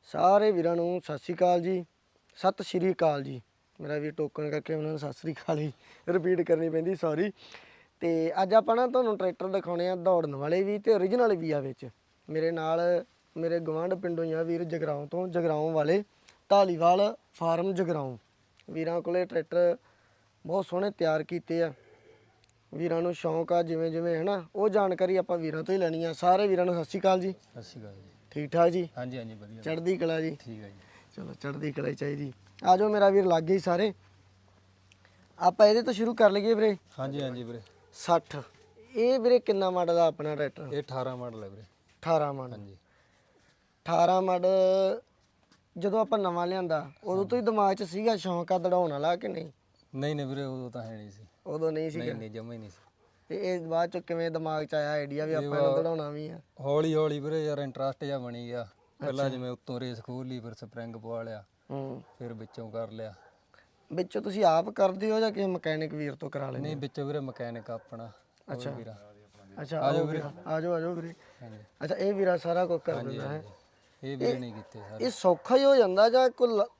ਸਾਰੇ ਵੀਰਾਂ ਨੂੰ ਸਤਿ ਸ਼੍ਰੀ ਅਕਾਲ ਜੀ। ਸਤਿ ਸ਼੍ਰੀ ਅਕਾਲ ਜੀ। ਮੇਰਾ ਵੀ ਟੋਕਨ ਕਰਕੇ ਉਹਨਾਂ ਨੂੰ ਸਤਿ ਸ਼੍ਰੀ ਅਕਾਲ ਹੀ ਰਿਪੀਟ ਕਰਨੀ ਪੈਂਦੀ, ਸੌਰੀ। ਤੇ ਅੱਜ ਆਪਾਂ ਨਾ ਤੁਹਾਨੂੰ ਟਰੈਕਟਰ ਦਿਖਾਉਣੇ ਆ ਦੌੜਨ ਵਾਲੇ ਵੀ ਤੇ ਓਰੀਜਨਲ ਵੀ ਆ ਵਿੱਚ। ਮੇਰੇ ਨਾਲ ਮੇਰੇ ਗਵਾਂਢ ਪਿੰਡੋਂ ਹੀ ਆ ਵੀਰ ਜਗਰਾਉਂ ਤੋਂ, ਜਗਰਾਉਂ ਵਾਲੇ ਢਾਲੀਵਾਲ ਫਾਰਮ ਜਗਰਾਉਂ। ਵੀਰਾਂ ਕੋਲੇ ਟਰੈਕਟਰ ਬਹੁਤ ਸੋਹਣੇ ਤਿਆਰ ਕੀਤੇ ਆ। ਵੀਰਾਂ ਨੂੰ ਸ਼ੌਂਕ ਆ ਜਿਵੇਂ ਜਿਵੇਂ ਹੈ ਨਾ, ਉਹ ਜਾਣਕਾਰੀ ਆਪਾਂ ਵੀਰਾਂ ਤੋਂ ਹੀ ਲੈਣੀ ਆ। ਸਾਰੇ ਵੀਰਾਂ ਨੂੰ ਸਤਿ ਸ਼੍ਰੀ ਅਕਾਲ ਜੀ। ਸਤਿ ਸ਼੍ਰੀ ਅਕਾਲ ਜੀ। ਠੀਕ ਠਾਕ ਜੀ? ਹਾਂਜੀ ਹਾਂਜੀ ਵਧੀਆ। ਚੜ੍ਹਦੀ ਕਲਾ ਜੀ। ਠੀਕ ਹੈ ਜੀ। ਚਲੋ ਚੜ੍ਹਦੀ ਕਲਾ ਹੀ ਚਾਹੀਦੀ। ਆ ਜਾਓ ਮੇਰਾ ਵੀਰ ਲੱਗ ਗਏ ਸਾਰੇ। ਆਪਾਂ ਇਹਦੇ ਤੋਂ ਸ਼ੁਰੂ ਕਰ ਲਈਏ ਵੀਰੇ। ਹਾਂਜੀ ਹਾਂਜੀ ਵੀਰੇ। 60 ਇਹ ਵੀਰੇ ਕਿੰਨਾ ਮਾਡਲ ਆ ਆਪਣਾ ਟਰੈਕਟਰ? ਇਹ 18 ਮਾਡਲ ਹੈ ਵੀਰੇ। 18 ਮਾਡਲ। ਹਾਂਜੀ 18 ਮਾਡਲ ਜਦੋਂ ਆਪਾਂ ਨਵਾਂ ਲਿਆਂਦਾ ਉਦੋਂ ਤੋਂ ਹੀ ਦਿਮਾਗ 'ਚ ਸੀਗਾ ਸ਼ੌਂਕ ਆ ਦੜਾਉਣ ਵਾਲਾ ਕਿ ਨਹੀਂ? ਨਹੀਂ ਨਹੀਂ ਵੀਰੇ, ਉਦੋਂ ਤਾਂ ਹੈ ਨਹੀਂ ਸੀ। ਉਦੋਂ ਨਹੀਂ ਸੀਗਾ? ਨਹੀਂ ਨਹੀਂ, ਜਮਾ ਹੀ ਨਹੀਂ ਸੀ। ਤੇ ਇਹ ਬਾਅਦ 'ਚ ਕਿਵੇਂ ਦਿਮਾਗ 'ਚ ਆਇਆ ਆਈਡੀਆ ਵੀ ਆਪਾਂ ਇਹਨੂੰ ਦੜਾਉਣਾ ਵੀ ਆ? ਹੌਲੀ ਹੌਲੀ ਵੀਰੇ ਯਾਰ ਇੰਟਰਸਟ ਜਿਹਾ ਬਣੀ ਗਿਆ। ਪਹਿਲਾਂ ਜਿਵੇਂ ਉੱਤੋਂ ਰੇਸ ਖੋਲ ਲਈ, ਫਿਰ ਸਪਰਿੰਗ ਪਵਾ ਲਿਆ, ਫਿਰ ਵਿੱਚੋਂ ਕਰ ਲਿਆ। ਵਿੱਚੋਂ ਤੁਸੀਂ ਆਪ ਕਰਦੇ ਹੋ ਜਾਂ ਕਿਸੇ ਮਕੈਨਿਕ ਵੀਰ ਤੋਂ ਕਰਾ ਲੈਂਦੇ? ਨਹੀਂ, ਵਿੱਚੋਂ ਵੀਰੇ ਮਕੈਨਿਕ ਆਪਣਾ। ਅੱਛਾ ਵੀਰਾ। ਅੱਛਾ ਆ ਜਾਓ ਵੀਰੇ, ਆ ਜਾਓ ਆ ਜਾਓ ਵੀਰੇ। ਹਾਂਜੀ ਅੱਛਾ ਇਹ ਵੀਰਾ ਸਾਰਾ ਕੁਝ ਕਰ ਦਿੰਦਾ ਹੈ? ਇਹ ਵੀਰੇ ਨਹੀਂ ਕੀਤੇ ਸਾਰੇ। ਇਹ ਸੌਖਾ ਹੀ ਹੋ ਜਾਂਦਾ ਜਾਂ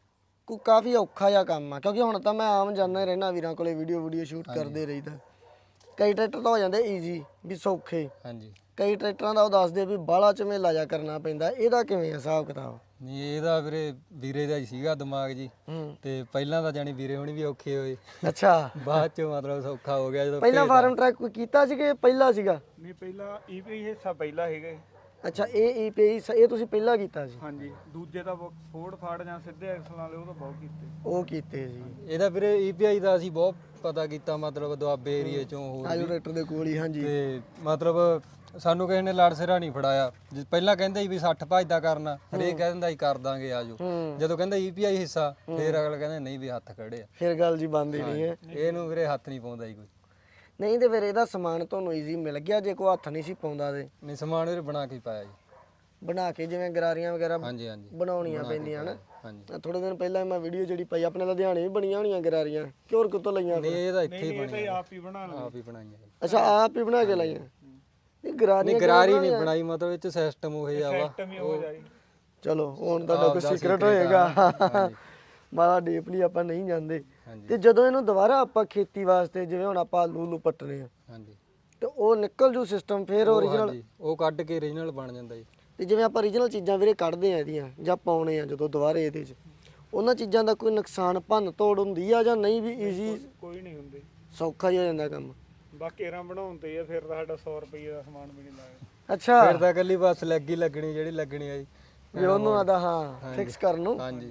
ਕੋਈ ਕਾਫੀ ਔਖਾ ਜਿਹਾ ਕੰਮ ਆ? ਕਿਉਂਕਿ ਹੁਣ ਤਾਂ ਮੈਂ ਆਮ ਜਾਂਦਾ ਰਹਿਣਾ ਵੀਰਾਂ ਕੋਲੇ, ਵੀਡੀਓ ਸ਼ੂਟ ਕਰਦੇ ਰਹੀਦਾ। ਕਈ ਟਰੈਕਟਰ ਤਾਂ ਹੋ ਜਾਂਦੇ ਈਜ਼ੀ ਵੀ ਸੌਖੇ, ਹਾਂਜੀ। ਕਈ ਟਰੈਕਟਰਾਂ ਦਾ ਉਹ ਦੱਸਦੇ ਵੀ ਬਾਹਲਾ ਝਮੇਲਾ ਜਾ ਕਰਨਾ ਪੈਂਦਾ। ਇਹਦਾ ਕਿਵੇਂ ਆ ਹਿਸਾਬ ਕਿਤਾਬ? ਨਹੀਂ, ਇਹਦਾ ਵੀਰੇ ਵੀਰੇ ਦਾ ਹੀ ਸੀਗਾ ਦਿਮਾਗ ਜੀ। ਤੇ ਪਹਿਲਾਂ ਤਾਂ ਜਾਣੀ ਵੀਰੇ ਹੁਣੀ ਵੀ ਔਖੇ ਹੋਏ। ਅੱਛਾ ਬਾਅਦ ਚ ਮਤਲਬ ਸੌਖਾ ਹੋ ਗਿਆ ਜਦੋਂ ਪਹਿਲਾਂ ਫਾਰਮ ਟਰੈਕ ਕੋਈ ਕੀਤਾ ਸੀ ਕਿ ਪਹਿਲਾ ਸੀਗਾ? ਨਹੀਂ, ਪਹਿਲਾਂ ਈਪੀ ਹਿੱਸਾ ਪਹਿਲਾ ਹੈਗਾ। ਅੱਛਾ ਇਹ ਈਪੀਆਈ ਇਹ ਤੁਸੀਂ ਪਹਿਲਾਂ ਕੀਤਾ ਸੀ? ਹਾਂਜੀ, ਦੂਜੇ ਤਾਂ ਫੋੜ ਫਾੜ ਜਾਂ ਸਿੱਧੇ ਐਕਸਲ ਵਾਲੇ ਉਹ ਤਾਂ ਬਹੁਤ ਕੀਤੇ। ਉਹ ਕੀਤੇ ਸੀ। ਇਹਦਾ ਵੀਰੇ ਈਪੀਆਈ ਦਾ ਅਸੀਂ ਬਹੁਤ ਪਤਾ ਕੀਤਾ, ਮਤਲਬ ਦੁਆਬੇ ਏਰੀਏ ਚੋਂ ਹੋਰ ਆਜੋ ਵੀ। ਟਰੈਕਟਰ ਦੇ ਕੋਲ ਹੀ। ਹਾਂਜੀ ਤੇ ਮਤਲਬ ਸਾਨੂੰ ਕਿਸੇ ਨੇ ਲੜ ਸਿਰਾ ਨਹੀਂ ਫੜਾਇਆ। ਪਹਿਲਾਂ ਕਹਿੰਦੇ ਸੀ ਵੀ 60 ਭੱਜਦਾ ਕਰਨਾ, ਹਰੇਕ ਕਹਿ ਦਿੰਦਾ ਸੀ ਕਰ ਦਾਂਗੇ ਆਜੋ। ਜਦੋਂ ਕਹਿੰਦਾ ਈਪੀਆਈ ਹਿੱਸਾ, ਫਿਰ ਅਗਲਾ ਕਹਿੰਦਾ ਨਹੀਂ ਵੀ ਹੱਥ ਖੜੇ ਆ। ਫਿਰ ਗੱਲ ਜੀ ਬੰਦ ਹੀ ਨਹੀਂ ਹੈ। ਇਹਨੂੰ ਵੀਰੇ ਹੱਥ ਨਹੀਂ ਪਾਉਂਦਾ ਜੀ ਕੋਈ। ਨਹੀਂ ਤੇ ਫਿਰ ਇਹਦਾ ਸਮਾਨ ਤੁਹਾਨੂੰ ਈਜ਼ੀ ਮਿਲ ਗਿਆ ਜੇ ਕੋਈ ਹੱਥ ਨਹੀਂ ਸੀ ਪਾਉਂਦਾ ਤੇ? ਨਹੀਂ, ਸਮਾਨ ਵੀਰੇ ਬਣਾ ਕੇ ਪਾਇਆ ਜੀ। ਬਣਾ ਕੇ ਜਿਵੇਂ ਗਰਾਰੀਆਂ ਵਗੈਰਾ ਹਾਂਜੀ ਹਾਂਜੀ ਬਣਾਉਣੀਆਂ ਪੈਂਦੀਆਂ ਹਨ। ਹਾਂਜੀ। ਥੋੜੇ ਦਿਨ ਪਹਿਲਾਂ ਮੈਂ ਵੀਡੀਓ ਜਿਹੜੀ ਪਾਈ ਆਪਣੇ ਲੁਧਿਆਣੇ ਵੀ ਬਣੀਆਂ ਹੋਣੀਆਂ ਗਰਾਰੀਆਂ, ਕਿਉਂ ਕਿਤੋਂ ਲਈਆਂ? ਨਹੀਂ, ਇਹ ਤਾਂ ਇੱਥੇ ਹੀ ਇਹ ਤਾਂ ਬਣਿਆ, ਆਪ ਹੀ ਬਣਾ ਲਏ। ਆਪ ਹੀ ਬਣਾਈਆਂ। ਅੱਛਾ ਆਪ ਹੀ ਬਣਾ ਕੇ ਲਾਈਆਂ? ਇਹ ਗਰਾਰੀਆਂ ਨਹੀਂ, ਗਰਾਰੀ ਨਹੀਂ ਬਣਾਈ, ਮਤਲਬ ਇਹ ਚ ਸਿਸਟਮ ਉਹ ਜਿਹਾ ਵਾ। ਸਿਸਟਮ ਹੀ ਹੋ ਜਾਈ। ਚਲੋ ਹੁਣ ਤੁਹਾਡਾ ਕੋਈ ਸੀਕ੍ਰੇਟ ਹੋਏਗਾ, ਮਾੜਾ ਡੀਪਲੀ ਆਪਾਂ ਨਹੀਂ ਜਾਂਦੇ। ਤੇ ਜਦੋਂ ਇਹਨੂੰ ਦੁਬਾਰਾ ਆਪਾਂ ਖੇਤੀ ਵਾਸਤੇ, ਜਿਵੇਂ ਹੁਣ ਆਪਾਂ ਆਲੂ ਪੱਟਨੇ ਆ, ਹਾਂਜੀ, ਤੇ ਉਹ ਨਿਕਲ ਜੂ ਸਿਸਟਮ ਫਿਰ ਓਰੀਜਨਲ? ਉਹ ਕੱਢ ਕੇ ਓਰੀਜਨਲ ਬਣ ਜਾਂਦਾ ਜੀ। ਤੇ ਜਿਵੇਂ ਆਪਾਂ ਓਰੀਜਨਲ ਚੀਜ਼ਾਂ ਵੀਰੇ ਕੱਢਦੇ ਆ ਇਹਦੀਆਂ ਜਾਂ ਪਾਉਣੇ ਆ ਜਦੋਂ ਦੁਬਾਰੇ ਇਹਦੇ 'ਚ, ਉਹਨਾਂ ਚੀਜ਼ਾਂ ਦਾ ਕੋਈ ਨੁਕਸਾਨ ਭੰਨ ਤੋੜ ਹੁੰਦੀ ਆ ਜਾਂ ਨਹੀਂ? ਵੀ ਈਜ਼ੀ ਕੋਈ ਨਹੀਂ ਹੁੰਦੀ, ਸੌਖਾ ਹੀ ਹੋ ਜਾਂਦਾ ਕੰਮ? ਬਾਕੀ ਰਾਂ ਬਣਾਉਣ ਤੇ ਆ, ਫਿਰ ਤਾਂ ਸਾਡਾ 100 ਰੁਪਏ ਦਾ ਸਮਾਨ ਵੀ ਨਹੀਂ ਲਾਇਆ। ਅੱਛਾ ਫਿਰ ਤਾਂ ਇਕੱਲੀ ਬਸ ਲੱਗੀ ਲੱਗਣੀ ਜਿਹੜੀ ਲੱਗਣੀ ਆ ਜੀ, ਵੀ ਉਹਨੂੰ ਆਦਾ ਹਾਂ ਫਿਕਸ ਕਰਨ ਨੂੰ। ਹਾਂਜੀ।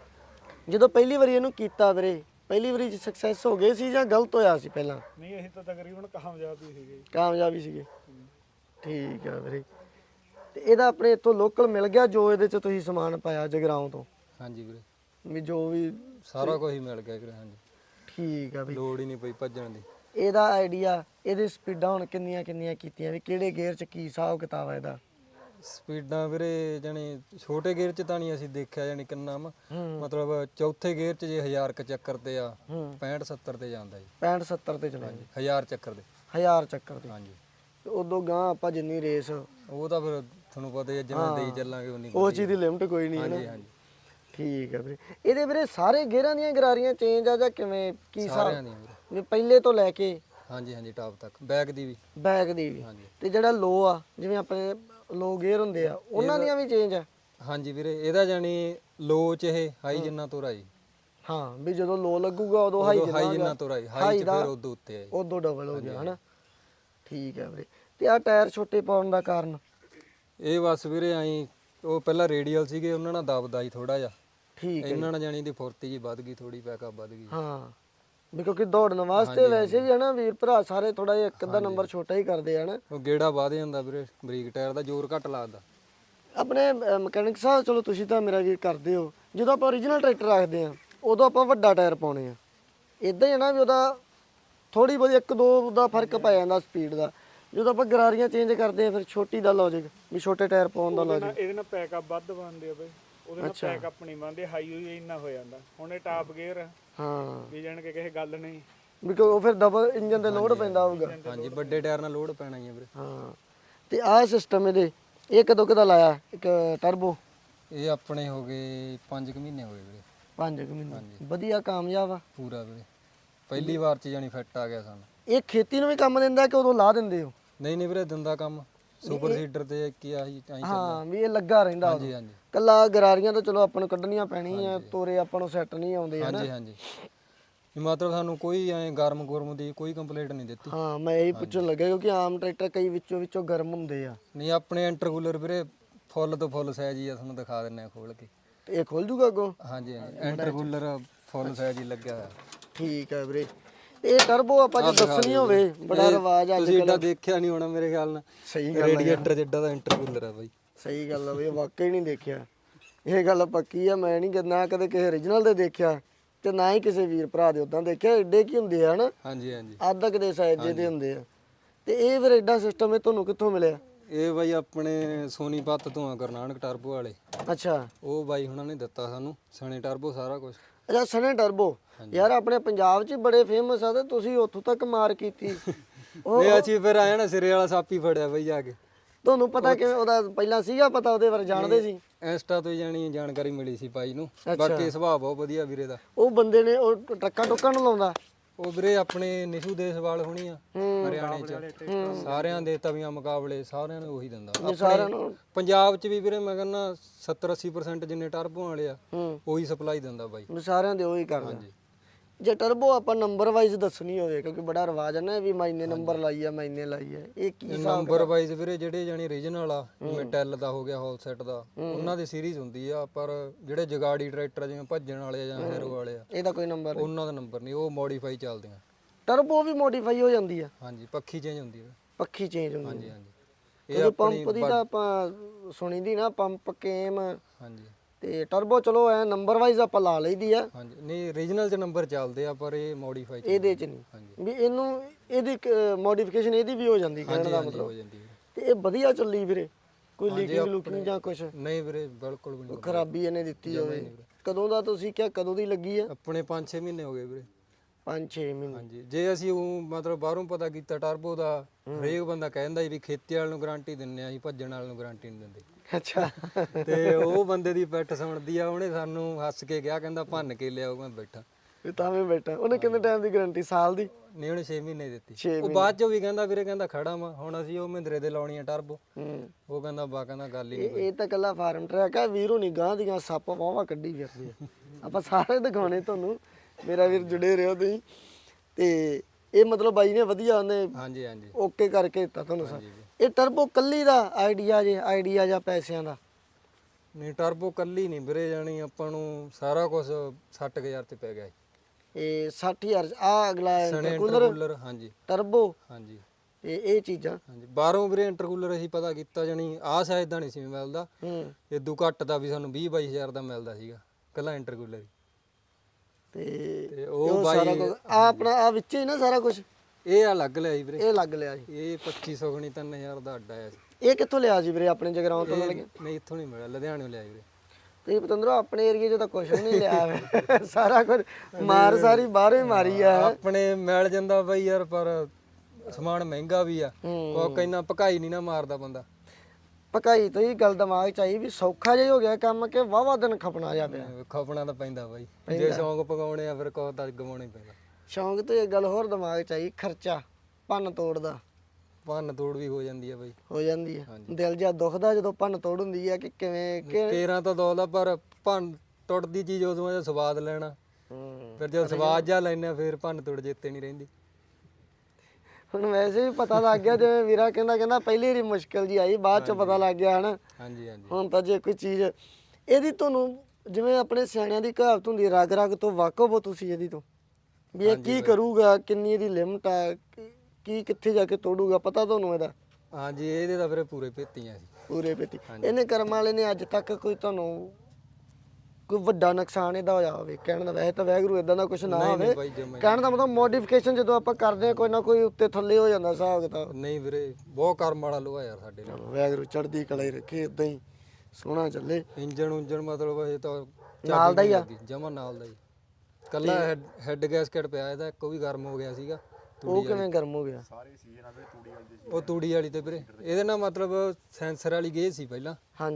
ਜਦੋਂ ਪਹਿਲੀ ਵਾਰੀ ਇਹਨੂੰ ਕੀਤਾ ਵੀਰੇ, ਪਹਿਲੀ ਵਾਰੀ 'ਚ ਸਕਸੈਸ ਹੋ ਗਏ ਸੀ ਜਾਂ ਗਲਤ ਹੋਇਆ ਸੀ ਪਹਿਲਾਂ? ਨਹੀਂ, ਅਸੀਂ ਤਾਂ ਤਕਰੀਬਨ ਕਾਮਯਾਬ ਹੀ ਸੀਗੇ। ਕਾਮਯਾਬ ਹੀ ਸੀਗੇ। ਠੀਕ ਆ ਵੀਰੇ। ਤੇ ਇਹਦਾ ਆਪਣੇ ਇੱਥੋਂ ਲੋਕਲ ਮਿਲ ਗਿਆ ਜੋ ਇਹਦੇ 'ਚ ਤੁਸੀਂ ਸਮਾਨ ਪਾਇਆ ਜਗਰਾਉਂ ਤੋਂ? ਹਾਂਜੀ ਵੀਰੇ, ਵੀ ਜੋ ਵੀ ਸਾਰਾ ਕੁਝ ਹੀ ਮਿਲ ਗਿਆ ਵੀਰੇ। ਹਾਂਜੀ, ਠੀਕ ਆ ਬਈ। ਲੋੜ ਹੀ ਨਹੀਂ ਪਈ ਭੱਜਣ ਦੀ। ਇਹਦਾ ਆਈਡੀਆ, ਇਹਦੀ ਸਪੀਡਾਂ ਹੁਣ ਕਿੰਨੀਆਂ ਕੀਤੀਆਂ, ਵੀ ਕਿਹੜੇ ਗੇਅਰ 'ਚ ਕੀ ਹਿਸਾਬ ਕਿਤਾਬ ਆ ਇਹਦਾ? ਸਪੀਡਾਂ ਵੀਰੇ ਜਾਣੀ ਛੋਟੇ ਗੇਅਰ 'ਚ ਤਾਂ ਨਹੀਂ ਅਸੀਂ ਦੇਖਿਆ, ਜਾਣੀ ਕਿੰਨਾ ਮਤਲਬ ਚੌਥੇ ਗੇਅਰ 'ਚ ਜੇ 1000 ਕ ਚੱਕਰ ਤੇ ਆ, 65 70 ਤੇ ਜਾਂਦਾ ਜੀ। 65 70 ਤੇ ਚਲਾਉਂਦੇ? 1000 ਚੱਕਰ ਦੇ। 1000 ਚੱਕਰ ਤੇ? ਹਾਂਜੀ। ਤੇ ਉਦੋਂ ਗਾਂ ਆਪਾਂ ਜਿੰਨੀ ਰੇਸ, ਉਹ ਤਾਂ ਫਿਰ ਤੁਹਾਨੂੰ ਪਤਾ ਹੀ ਆ, ਜਿਵੇਂ ਦੇਈ ਚੱਲਾਂਗੇ ਉਨੀ। ਉਹ ਚੀਜ਼ ਦੀ ਲਿਮਟ ਕੋਈ ਨਹੀਂ ਹੈ ਨਾ? ਹਾਂਜੀ ਹਾਂਜੀ। ਠੀਕ ਆ ਵੀਰੇ। ਇਹਦੇ ਵੀਰੇ ਸਾਰੇ ਗੇਅਰਾਂ ਦੀਆਂ ਗਰਾਰੀਆਂ ਚੇਂਜ ਆ ਜਾਂ ਕਿਵੇਂ ਕੀ ਹਿਸਾਬ? ਸਾਰਿਆਂ ਦੀ ਵੀਰੇ। ਵੀ ਪਹਿਲੇ ਤੋਂ ਲੈ ਕੇ? ਹਾਂਜੀ ਹਾਂਜੀ, ਟਾਪ ਤੱਕ, ਬੈਕ ਦੀ ਵੀ। ਬੈਕ ਦੀ ਵੀ? ਹਾਂਜੀ। ਤੇ ਜਿਹੜਾ ਲੋ ਆ, ਜਿਵੇਂ ਆਪਣੇ ਲੋ ਗੇਅਰ ਹੁੰਦੇ ਆ, ਉਹਨਾਂ ਦੀਆਂ ਵੀ ਚੇਂਜ ਆ? ਹਾਂਜੀ ਵੀਰੇ, ਇਹਦਾ ਜਾਣੀ ਲੋ 'ਚ ਇਹ ਹਾਈ ਜਿੰਨਾ ਤੁਰ ਆਈ। ਹਾਂ, ਵੀ ਜਦੋਂ ਲੋ ਲੱਗੂਗਾ ਉਦੋਂ ਹਾਈ ਜਿੰਨਾ ਤੁਰ ਆਈ, ਹਾਈ 'ਚ ਫਿਰ ਉਦੋਂ ਉੱਤੇ ਆਈ, ਉਦੋਂ ਡਬਲ ਹੋ ਗਿਆ ਹਨਾ? ਠੀਕ ਆ ਵੀਰੇ। ਤੇ ਆ ਟਾਇਰ ਛੋਟੇ ਪਾਉਣ ਦਾ ਕਾਰਨ? ਇਹ ਬਸ ਵੀਰੇ ਆਈ, ਉਹ ਪਹਿਲਾਂ ਰੇਡੀਅਲ ਸੀਗੇ, ਉਹਨਾਂ ਨਾਲ ਦਬਦਾ ਸੀ ਥੋੜਾ ਜਿਹਾ। ਠੀਕ ਹੈ। ਇਹਨਾਂ ਨਾਲ ਜਾਣੀ ਦੀ ਫੁਰਤੀ ਜੀ ਵੱਧ ਗਈ, ਥੋੜੀ ਬੈਕਅਪ ਵੱਧ ਗਈ। ਹਾਂ, ਵੀ ਕਿਉਂਕਿ ਦੌੜਨ ਵਾਸਤੇ ਵੈਸੇ ਵੀ ਹਨਾ ਵੀਰ ਭਰਾ ਸਾਰੇ ਥੋੜਾ ਜਿਹਾ ਇੱਕ ਅੱਧਾ ਨੰਬਰ ਛੋਟਾ ਹੀ ਕਰਦੇ ਹਨ। ਉਹ ਗੇੜਾ ਵੱਧ ਜਾਂਦਾ ਵੀਰੇ, ਬਰੀਕ ਟਾਇਰ ਦਾ ਜ਼ੋਰ ਘੱਟ ਲੱਗਦਾ। ਆਪਣੇ ਮਕੈਨਿਕ ਸਾਹਿਬ, ਚਲੋ ਤੁਸੀਂ ਤਾਂ ਮੇਰਾ ਵੀਰ ਕਰਦੇ ਹੋ, ਜਦੋਂ ਆਪਾਂ ਓਰੀਜਨਲ ਟਰੈਕਟਰ ਰੱਖਦੇ ਆ ਉਦੋਂ ਆਪਾਂ ਵੱਡਾ ਟਾਇਰ ਪਾਉਣੇ ਆ, ਇਦਾਂ ਹੀ ਹੈ ਨਾ ਵੀ ਉਹਦਾ ਥੋੜੀ ਬਹੁਤੀ 1-2 ਦਾ ਫਰਕ ਪੈ ਜਾਂਦਾ ਸਪੀਡ ਦਾ। ਜਦੋਂ ਆਪਾਂ ਗਰਾਰੀਆਂ ਚੇਂਜ ਕਰਦੇ ਆ ਫਿਰ ਛੋਟੀ ਦਾ ਲੌਜਿਕ ਵੀ ਛੋਟੇ ਟਾਇਰ ਪਾਉਣ ਦਾ ਲੌਜਿਕ? ਇਹਦੇ ਨਾਲ ਪੈਕਅਪ ਵੱਧ ਬਣਦੇ ਆ ਬਈ, ਉਹਦੇ ਨਾਲ ਪੈਕਅਪ ਨਹੀਂ ਬਣਦੇ, ਹਾਈ ਹੋਈ ਇੰਨਾ ਹੋ ਜਾਂਦਾ। ਹੁਣ ਇਹ ਟਾਪ ਗੇਅਰ ਹਾਂ, ਵੀ ਜਾਣ ਕੇ ਕਿਸੇ ਗੱਲ ਨਹੀਂ, ਵੀ ਉਹ ਫਿਰ ਡਬਲ ਇੰਜਨ ਤੇ ਲੋਡ ਪੈਂਦਾ ਹੋਊਗਾ। ਹਾਂਜੀ, ਵੱਡੇ ਟਾਇਰ ਨਾਲ ਲੋਡ ਪੈਣਾ ਹੀ ਆ ਵੀਰੇ। ਹਾਂ, ਤੇ ਆਹ ਸਿਸਟਮ ਇਹਦੇ ਇਹ ਕਦੋਂ ਕਦਾ ਲਾਇਆ ਇੱਕ ਟਰਬੋ? ਇਹ ਆਪਣੇ ਹੋ ਗਏ 5 ਮਹੀਨੇ ਹੋ ਗਏ ਵੀਰੇ 5 ਮਹੀਨੇ ਵਧੀਆ ਕਾਮਯਾਬ ਆ ਪੂਰਾ ਵੀਰੇ ਪਹਿਲੀ ਵਾਰ ਚ ਜਾਨੀ ਫਿੱਟ ਆ ਗਿਆ ਸਾਨੂੰ ਇਹ ਖੇਤੀ ਨੂੰ ਵੀ ਕੰਮ ਦਿੰਦਾ ਕਿ ਉਦੋਂ ਲਾ ਦਿੰਦੇ ਹੋ ਨਹੀਂ ਨਹੀਂ ਵੀਰੇ ਦਿੰਦਾ ਕੰਮ ਸੁਪਰ ਸੀਡਰ ਤੇ ਕੀ ਆਹੀ ਹਾਂ ਵੀ ਇਹ ਲੱਗਾ ਰਹਿੰਦਾ ਹਾਂਜੀ ਹਾਂਜੀ ਕੱਲਾ ਗਰਾਰੀਆਂ ਤਾਂ ਚਲੋ ਆਪਾਂ ਨੂੰ ਕੱਢਣੀਆਂ ਪੈਣੀਆਂ ਤੋਰੇ ਆਪਾਂ ਨੂੰ ਸੈੱਟ ਨਹੀਂ ਆਉਂਦੇ ਹਨਾ ਹਾਂਜੀ ਹਾਂਜੀ ਵੀ ਮਤਲਬ ਸਾਨੂੰ ਕੋਈ ਐ ਗਰਮ ਗੁਰਮ ਦੀ ਕੋਈ ਕੰਪਲੇਂਟ ਨਹੀਂ ਦਿੱਤੀ ਹਾਂ ਮੈਂ ਇਹੀ ਪੁੱਛਣ ਲੱਗਾ ਕਿਉਂਕਿ ਆਮ ਟਰੈਕਟਰ ਕਈ ਵਿੱਚੋਂ ਗਰਮ ਹੁੰਦੇ ਆ ਨਹੀਂ ਆਪਣੇ ਇੰਟਰਕੂਲਰ ਵੀਰੇ ਫੁੱਲ ਤੋਂ ਫੁੱਲ ਸਾਈਜ਼ ਹੀ ਆ ਤੁਹਾਨੂੰ ਦਿਖਾ ਦਿੰਨੇ ਆ ਖੋਲ ਕੇ ਤੇ ਇਹ ਖੁੱਲ ਜੂਗਾ ਅੱਗੋਂ ਹਾਂਜੀ ਹਾਂਜੀ ਇੰਟਰਕੂਲਰ ਫੁੱਲ ਸਾਈਜ਼ ਹੀ ਲੱਗਿਆ ਹੋਇਆ ਠੀਕ ਹੈ ਵੀਰੇ ਇਹ ਟਰਬੋ ਆਪਾਂ ਜੇ ਦੱਸਣੀ ਹੋਵੇ ਬੜਾ ਰਿਵਾਜ ਅੱਜ ਤੁਸੀਂ ਏਡਾ ਦੇਖਿਆ ਨਹੀਂ ਹੋਣਾ ਮੇਰੇ ਖਿਆਲ ਨਾਲ ਸਹੀ ਗੱਲ ਰੇਡੀਏਟਰ ਜਿੱਡਾ ਦਾ ਇੰਟਰਕੂਲਰ ਆ ਬਾਈ ਸਹੀ ਗੱਲ ਆ ਬਈ ਵਾਕਈ ਨਹੀਂ ਦੇਖਿਆ ਇਹ ਗੱਲ ਪੱਕੀ ਆ ਮੈਂ ਨਹੀਂ ਨਾ ਕਦੇ ਕਿਸੇ ਓਰੀਜਨਲ ਦੇ ਦੇਖਿਆ ਤੇ ਨਾ ਹੀ ਕਿਸੇ ਵੀਰ ਭਰਾ ਦੇ ਉਦਾਂ ਦੇਖਿਆ ਏਡੇ ਕੀ ਹੁੰਦੇ ਆ ਹਨਾ ਹਾਂਜੀ ਹਾਂਜੀ ਅੱਧ ਕੁ ਦੇ ਸਾਈਜ਼ ਜਿਹੇ ਹੁੰਦੇ ਆ ਤੇ ਇਹ ਫਿਰ ਏਡਾ ਸਿਸਟਮ ਇਹ ਤੁਹਾਨੂੰ ਕਿੱਥੋਂ ਮਿਲਿਆ ਇਹ ਬਾਈ ਆਪਣੇ ਸੋਨੀਪਤ ਤੋਂ ਆ ਗੁਰਨਾਨਕ ਟਰਬੋ ਵਾਲੇ ਅੱਛਾ ਉਹ ਬਾਈ ਹੁਣਾਂ ਨੇ ਦਿੱਤਾ ਸਾਨੂੰ ਸਣੇ ਟਰਬੋ ਸਾਰਾ ਕੁਝ ਅੱਛਾ ਸਣੇ ਟਰਬੋ ਯਾਰ ਆਪਣੇ ਪੰਜਾਬ 'ਚ ਹੀ ਬੜੇ ਫੇਮਸ ਆ ਤੇ ਤੁਸੀਂ ਉੱਥੋਂ ਤੱਕ ਮਾਰ ਕੀਤੀ ਇਹ ਅਸੀਂ ਫਿਰ ਆਇਆ ਨਾ ਸਿਰੇ ਵਾਲਾ ਸਾਪੀ ਫੜਿਆ ਬਾਈ ਜਾ ਕੇ ਤੁਹਾਨੂੰ ਪਤਾ ਕਿਵੇਂ ਉਹਦਾ ਪਹਿਲਾਂ ਸੀਗਾ ਪਤਾ ਉਹਦੇ ਬਾਰੇ ਜਾਣਦੇ ਸੀ ਇੰਸਟਾ ਤੋਂ ਹੀ ਜਾਣੀ ਜਾਣਕਾਰੀ ਮਿਲੀ ਸੀ ਬਾਈ ਨੂੰ ਬਾਕੀ ਸੁਭਾਅ ਬਹੁਤ ਵਧੀਆ ਵੀਰੇ ਦਾ ਉਹ ਬੰਦੇ ਨੇ ਉਹ ਟਰੱਕਾਂ ਟੁੱਕਾਂ ਨੂੰ ਲਾਉਂਦਾ ਉਹ ਵੀਰੇ ਆਪਣੇ ਨਿਸ਼ੂ ਦੇਸਵਾਲ ਹੋਣੀ ਆ ਹਰਿਆਣੇ ਚ ਸਾਰਿਆਂ ਦੇ ਤਵੀਆਂ ਮੁਕਾਬਲੇ ਸਾਰਿਆਂ ਨੂੰ ਉਹੀ ਦਿੰਦਾ ਸਾਰਿਆਂ ਨੂੰ ਪੰਜਾਬ ਚ ਵੀ ਵੀਰੇ ਮੈਂ ਕਹਿੰਦਾ 70-80% ਜਿੰਨੇ ਟਰਬੋ ਵਾਲੇ ਆ ਉਹੀ ਸਪਲਾਈ ਦਿੰਦਾ ਬਾਈ ਸਾਰਿਆਂ ਦੇ ਉਹੀ ਕਰਦਾ ਜੇ ਟਰਬੋ ਆਪਾਂ ਨੰਬਰ ਵਾਈਜ਼ ਦੱਸਣੀ ਹੋਵੇ ਕਿਉਂਕਿ ਬੜਾ ਰਿਵਾਜ ਹੈ ਨਾ ਵੀ ਮੈਨੇ ਨੰਬਰ ਲਾਈ ਆ ਮੈਨੇ ਲਾਈ ਆ ਇਹ ਕੀ ਨੰਬਰ ਵਾਈਜ਼ ਵੀਰੇ ਜਿਹੜੇ ਜਾਨੀ ਰੀਜਨਲ ਆ ਜਿਵੇਂ ਟੈਲ ਦਾ ਹੋ ਗਿਆ ਹੋਲ ਸੈਟ ਦਾ ਉਹਨਾਂ ਦੀ ਸੀਰੀਜ਼ ਹੁੰਦੀ ਆ ਪਰ ਜਿਹੜੇ ਜਗਾੜੀ ਟਰੈਕਟਰ ਜਿਵੇਂ ਭੱਜਣ ਵਾਲੇ ਆ ਜਾਂ ਹੈਰੋ ਵਾਲੇ ਆ ਇਹਦਾ ਕੋਈ ਨੰਬਰ ਉਹਨਾਂ ਦਾ ਨੰਬਰ ਨਹੀਂ ਉਹ ਮੋਡੀਫਾਈ ਚੱਲਦੇ ਆ ਟਰਬੋ ਵੀ ਮੋਡੀਫਾਈ ਹੋ ਜਾਂਦੀ ਆ ਹਾਂਜੀ ਪੱਖੀ ਚੇਂਜ ਹੁੰਦੀ ਆ ਪੱਖੀ ਚੇਂਜ ਹੁੰਦੀ ਹਾਂਜੀ ਹਾਂਜੀ ਇਹ ਪੰਪ ਦੀ ਤਾਂ ਆਪਾਂ ਸੁਣੀ ਦੀ ਨਾ ਪੰਪ ਕੇਮ ਹਾਂਜੀ ਤੇ ਟਰਬੋ ਚਲੋ ਐ ਨੰਬਰ ਵਾਈਜ਼ ਆਪਾਂ ਲਾ ਲਈਦੀ ਆ ਹਾਂਜੀ ਨਹੀਂ ਰੀਜਨਲ ਚ ਨੰਬਰ ਚੱਲਦੇ ਆ ਪਰ ਇਹ ਮੋਡੀਫਾਈ ਇਹਦੇ ਚ ਨਹੀਂ ਵੀ ਇਹਨੂੰ ਇਹਦੀ ਮੋਡੀਫਿਕੇਸ਼ਨ ਇਹਦੀ ਵੀ ਹੋ ਜਾਂਦੀ ਕਹਿਣ ਦਾ ਮਤਲਬ ਹੋ ਜਾਂਦੀ ਹੈ ਤੇ ਇਹ ਵਧੀਆ ਚੱਲੀ ਵੀਰੇ ਕੋਈ ਲੀਕਿੰਗ ਲੁਕਿੰਗ ਜਾਂ ਕੁਛ ਨਹੀਂ ਵੀਰੇ ਬਿਲਕੁਲ ਵੀ ਨਹੀਂ ਖਰਾਬੀ ਇਹਨੇ ਦਿੱਤੀ ਹੋਵੇ ਕਦੋਂ ਦਾ ਤੁਸੀਂ ਕਿਹਾ ਕਦੋਂ ਦੀ ਲੱਗੀ ਆ ਆਪਣੇ 5-6 ਮਹੀਨੇ ਹੋ ਗਏ ਵੀਰੇ 5-6 ਮਹੀਨੇ ਹਾਂਜੀ ਜੇ ਅਸੀਂ ਉਹ ਮਤਲਬ ਬਾਹਰੋਂ ਪਤਾ ਕੀਤਾ ਟਰਬੋ ਦਾ ਹਰੇਕ ਬੰਦਾ ਕਹਿੰਦਾ ਵੀ ਖੇਤੀ ਵਾਲ ਨੂੰ ਗਾਰੰਟੀ ਦਿੰਨੇ ਆ ਅਸੀਂ ਭੱਜਣ ਵਾਲ ਨੂੰ ਗਾਰੰਟੀ ਨਹੀਂ ਦਿੰਦੇ ਅੱਛਾ ਤੇ ਉਹ ਬੰਦੇ ਦੀ ਪਿੱਠ ਸੁਣਦੀ ਆ ਉਹਨੇ ਸਾਨੂੰ ਹੱਸ ਕੇ ਕਿਹਾ ਕਹਿੰਦਾ ਭੰਨ ਕੇ ਲਿਆਓ ਮੈਂ ਬੈਠਾ ਇਹ ਤਾਂ ਮੈਂ ਬੈਠਾ ਉਹਨੇ ਕਿੰਨੇ ਟਾਈਮ ਦੀ ਗਾਰੰਟੀ ਸਾਲ ਦੀ ਨਹੀਂ ਉਹਨੇ 6 ਮਹੀਨੇ ਦਿੱਤੀ 6 ਉਹ ਬਾਅਦ ਚੋਂ ਵੀ ਕਹਿੰਦਾ ਵੀਰੇ ਕਹਿੰਦਾ ਖੜਾ ਵਾ ਹੁਣ ਅਸੀਂ ਉਹ ਮਹਿੰਦਰੇ ਦੇ ਲਾਉਣੀ ਆ ਟਰਬੋ ਹੂੰ ਉਹ ਕਹਿੰਦਾ ਬਾ ਕਹਿੰਦਾ ਗੱਲ ਹੀ ਨਹੀਂ ਇਹ ਤਾਂ ਕੱਲਾ ਫਾਰਮ ਟਰੈਕ ਆ ਵੀਰੋ ਨਹੀਂ ਗਾਂ ਦੀਆਂ ਸੱਪ ਵਾਵਾ ਕੱਢੀ ਫਿਰਦੇ ਆ ਆਪਾਂ ਸਾਰੇ ਦਿਖਾਉਣੇ ਤੁਹਾਨੂੰ ਮੇਰਾ ਵੀਰ ਜੁੜੇ ਰਹੋ ਤੁਸੀਂ ਤੇ ਇਹ ਮਤਲਬ ਬਾਈ ਨੇ ਵਧੀਆ ਉਹਨੇ ਹਾਂਜੀ ਹਾਂਜੀ ਓਕੇ ਕਰਕੇ ਦਿੱਤਾ ਤੁਹਾਨੂੰ ਸਰ ਇਹ ਟਰਬੋ ਕੱਲੀ ਦਾ ਆਈਡੀਆ ਜਾਂ ਪੈਸਿਆਂ ਦਾ ਨਹੀਂ ਟਰਬੋ ਕੱਲੀ ਨਹੀਂ ਵੀਰੇ ਜਾਣੀ ਆਪਾਂ ਨੂੰ ਸਾਰਾ ਕੁਝ 60000 ਤੇ ਪੈ ਗਿਆ ਇਹ 60000 ਆ ਅਗਲਾ ਸਣੇ ਇੰਟਰਕੂਲਰ ਇੰਟਰਕੂਲਰ ਹਾਂਜੀ ਟਰਬੋ ਹਾਂਜੀ ਤੇ ਇਹ ਚੀਜ਼ਾਂ ਹਾਂਜੀ ਬਾਹਰੋਂ ਵੀਰੇ ਇੰਟਰਕੂਲਰ ਅਸੀਂ ਪਤਾ ਕੀਤਾ ਜਾਣੀ ਆਹ ਸਾਈਜ਼ ਦਾ ਨਹੀਂ ਸੀ ਮਿਲਦਾ ਹੂੰ ਇਦੋਂ ਘੱਟ ਦਾ ਵੀ ਸਾਨੂੰ 20-22000 ਦਾ ਮਿਲਦਾ ਸੀਗਾ ਕੱਲਾ ਇੰਟਰਕੂਲਰ ਹੀ ਤੇ ਉਹ ਸਾਰਾ ਕੁਝ ਆ ਆਪਣਾ ਆ ਵਿੱਚ ਹੀ ਨਾ ਸਾਰਾ ਕੁਝ ਇਹ ਅਲੱਗ ਲਿਆ ਸੀ ਵੀਰੇ ਇਹ ਲੱਗ ਲਿਆ ਜੀ ਇਹ 2500 ਗਣੀ 3000 ਦਾ ਅੱਡਾ ਆਇਆ ਸੀ ਇਹ ਕਿੱਥੋਂ ਲਿਆ ਸੀ ਵੀਰੇ ਆਪਣੇ ਜਗਰਾਉਂ ਤੋਂ ਲੱਗਿਆ ਨਹੀਂ ਇੱਥੋਂ ਨਹੀਂ ਮਿਲਿਆ ਲੁਧਿਆਣਿਓਂ ਲਿਆ ਵੀਰੇ ਤੇ ਪਤੰਦਰੋ ਆਪਣੇ ਏਰੀਏ 'ਚ ਤਾਂ ਕੁਝ ਵੀ ਨਹੀਂ ਲਿਆ ਹੋਇਆ। ਸਾਰਾ ਕੁਝ ਮਾਰ ਸਾਰੀ ਬਾਹਰੋਂ ਹੀ ਮਾਰੀ ਆ ਆਪਣੇ ਮਿਲ ਜਾਂਦਾ ਬਈ ਯਾਰ ਪਰ ਸਮਾਨ ਮਹਿੰਗਾ ਵੀ ਆ ਉਹ ਕਹਿੰਦਾ ਭਕਾਈ ਨਹੀਂ ਨਾ ਮਾਰਦਾ ਬੰਦਾ ਪਕਾਈ ਤੋਂ ਹੀ ਗੱਲ ਦਿਮਾਗ 'ਚ ਆਈ ਵੀ ਸੌਖਾ ਜਿਹਾ ਹੋ ਗਿਆ ਕੰਮ ਕਿ ਵਾਵਾ ਦਿਨ ਖਪਣਾ ਜਾ ਪਿਆ ਖਪਣਾ ਤਾਂ ਪੈਂਦਾ ਬਾਈ ਜੇ ਸ਼ੌਂਕ ਪਕਾਉਣੇ ਆ ਫਿਰ ਕੋਹ ਤਾਂ ਗਵਾਉਣਾ ਹੀ ਪੈਂਦਾ ਸ਼ੌਂਕ ਤੋਂ ਇਹ ਗੱਲ ਹੋਰ ਦਿਮਾਗ 'ਚ ਆਈ ਖਰਚਾ ਭੰਨ ਤੋੜ ਦਾ ਭੰਨ ਤੋੜ ਵੀ ਹੋ ਜਾਂਦੀ ਆ ਬਾਈ ਹੋ ਜਾਂਦੀ ਆ ਦਿਲ ਜਿਹਾ ਦੁਖਦਾ ਜਦੋਂ ਭੰਨ ਤੋੜ ਹੁੰਦੀ ਆ ਕਿ ਕਿਵੇਂ ਕੇਰਾਂ ਤਾਂ ਦੌਲਦਾ ਪਰ ਭੰਨ ਟੁੱਟਦੀ ਚੀਜ਼ ਉਦੋਂ ਆ ਸਵਾਦ ਲੈਣਾ ਫਿਰ ਜਦੋਂ ਸਵਾਦ ਜਾ ਲੈਣਾ ਫਿਰ ਭੰਨ ਤੋੜ ਜਿੱਤੇ ਨਹੀਂ ਰਹਿੰਦੀ ਹੁਣ ਵੈਸੇ ਵੀ ਪਤਾ ਲੱਗ ਗਿਆ ਜਿਵੇਂ ਵੀਰਾ ਕਹਿੰਦਾ ਪਹਿਲੀ ਵਾਰੀ ਮੁਸ਼ਕਿਲ ਜੀ ਆਈ ਬਾਅਦ 'ਚ ਪਤਾ ਲੱਗ ਗਿਆ ਹਨਾ ਹਾਂਜੀ ਹਾਂਜੀ ਹੁਣ ਤਾਂ ਜੇ ਕੋਈ ਚੀਜ਼ ਇਹਦੀ ਤੁਹਾਨੂੰ ਜਿਵੇਂ ਆਪਣੇ ਸਿਆਣਿਆਂ ਦੀ ਕਹਾਵਤ ਹੁੰਦੀ ਰਗ ਰਗ ਤੋਂ ਵਾਕਫ ਹੋ ਤੁਸੀਂ ਇਹਦੀ ਤੋਂ ਵੀ ਇਹ ਕੀ ਕਰੂਗਾ ਕਿੰਨੀ ਇਹਦੀ ਲਿਮਟ ਆ ਕੀ ਕਿੱਥੇ ਜਾ ਕੇ ਤੋੜੂਗਾ ਪਤਾ ਤੁਹਾਨੂੰ ਇਹਦਾ ਹਾਂਜੀ ਇਹਦੇ ਤਾਂ ਫਿਰ ਪੂਰੇ ਭੇਤੀਆਂ ਸੀ ਪੂਰੇ ਪੇਤੀ ਇਹਨੇ ਕਰਮ ਵਾਲੇ ਨੇ ਅੱਜ ਤੱਕ ਕੋਈ ਤੁਹਾਨੂੰ ਕੋਈ ਵੱਡਾ ਨੁਕਸਾਨ ਇਹਦਾ ਹੋਇਆ ਹੋਵੇ ਕਹਿਣ ਦਾ ਵੈਸੇ ਤਾਂ ਵੈਗਰੂ ਇਦਾਂ ਦਾ ਕੁਝ ਨਾ ਹੋਵੇ ਬਾਈ ਜਮਾ ਕਹਿਣ ਦਾ ਮਤਲਬ ਮੋਡੀਫਿਕੇਸ਼ਨ ਜਦੋਂ ਆਪਾਂ ਕਰਦੇ ਆ ਕੋਈ ਨਾ ਕੋਈ ਉੱਤੇ ਥੱਲੇ ਹੋ ਜਾਂਦਾ ਹਿਸਾਬ ਕਿਤਾਬ ਨਹੀਂ ਵੀਰੇ ਬਹੁਤ ਕਰਮ ਵਾਲਾ ਲੋਹਾ ਯਾਰ ਸਾਡੇ ਨਾਲ ਵੈਗਰੂ ਚੜਦੀ ਕਲਾ ਹੀ ਰੱਖੇ ਇਦਾਂ ਹੀ ਸੋਹਣਾ ਚੱਲੇ ਇੰਜਣ ਮਤਲਬ ਇਹ ਤਾਂ ਨਾਲ ਦਾ ਹੀ ਆ ਜਮਾ ਨਾਲ ਦਾ ਹੀ ਕੱਲਾ ਹੈਡ ਗੈਸਕਟ ਪਿਆ ਇਹਦਾ ਇੱਕ ਉਹ ਵੀ ਗਰਮ ਹੋ ਗਿਆ ਸੀਗਾ ਉਹ ਕਿਵੇਂ ਗਰਮ ਹੋ ਗਿਆ ਉਹ ਤੂੜੀ ਵਾਲੀ ਤੇ ਵੀਰੇ ਇਹਦੇ ਨਾਲ ਮਤਲਬ ਸੈਂਸਰ ਵਾਲੀ ਗੇਜ ਸੀ ਪਹਿਲਾਂ ਹਾਂਜੀ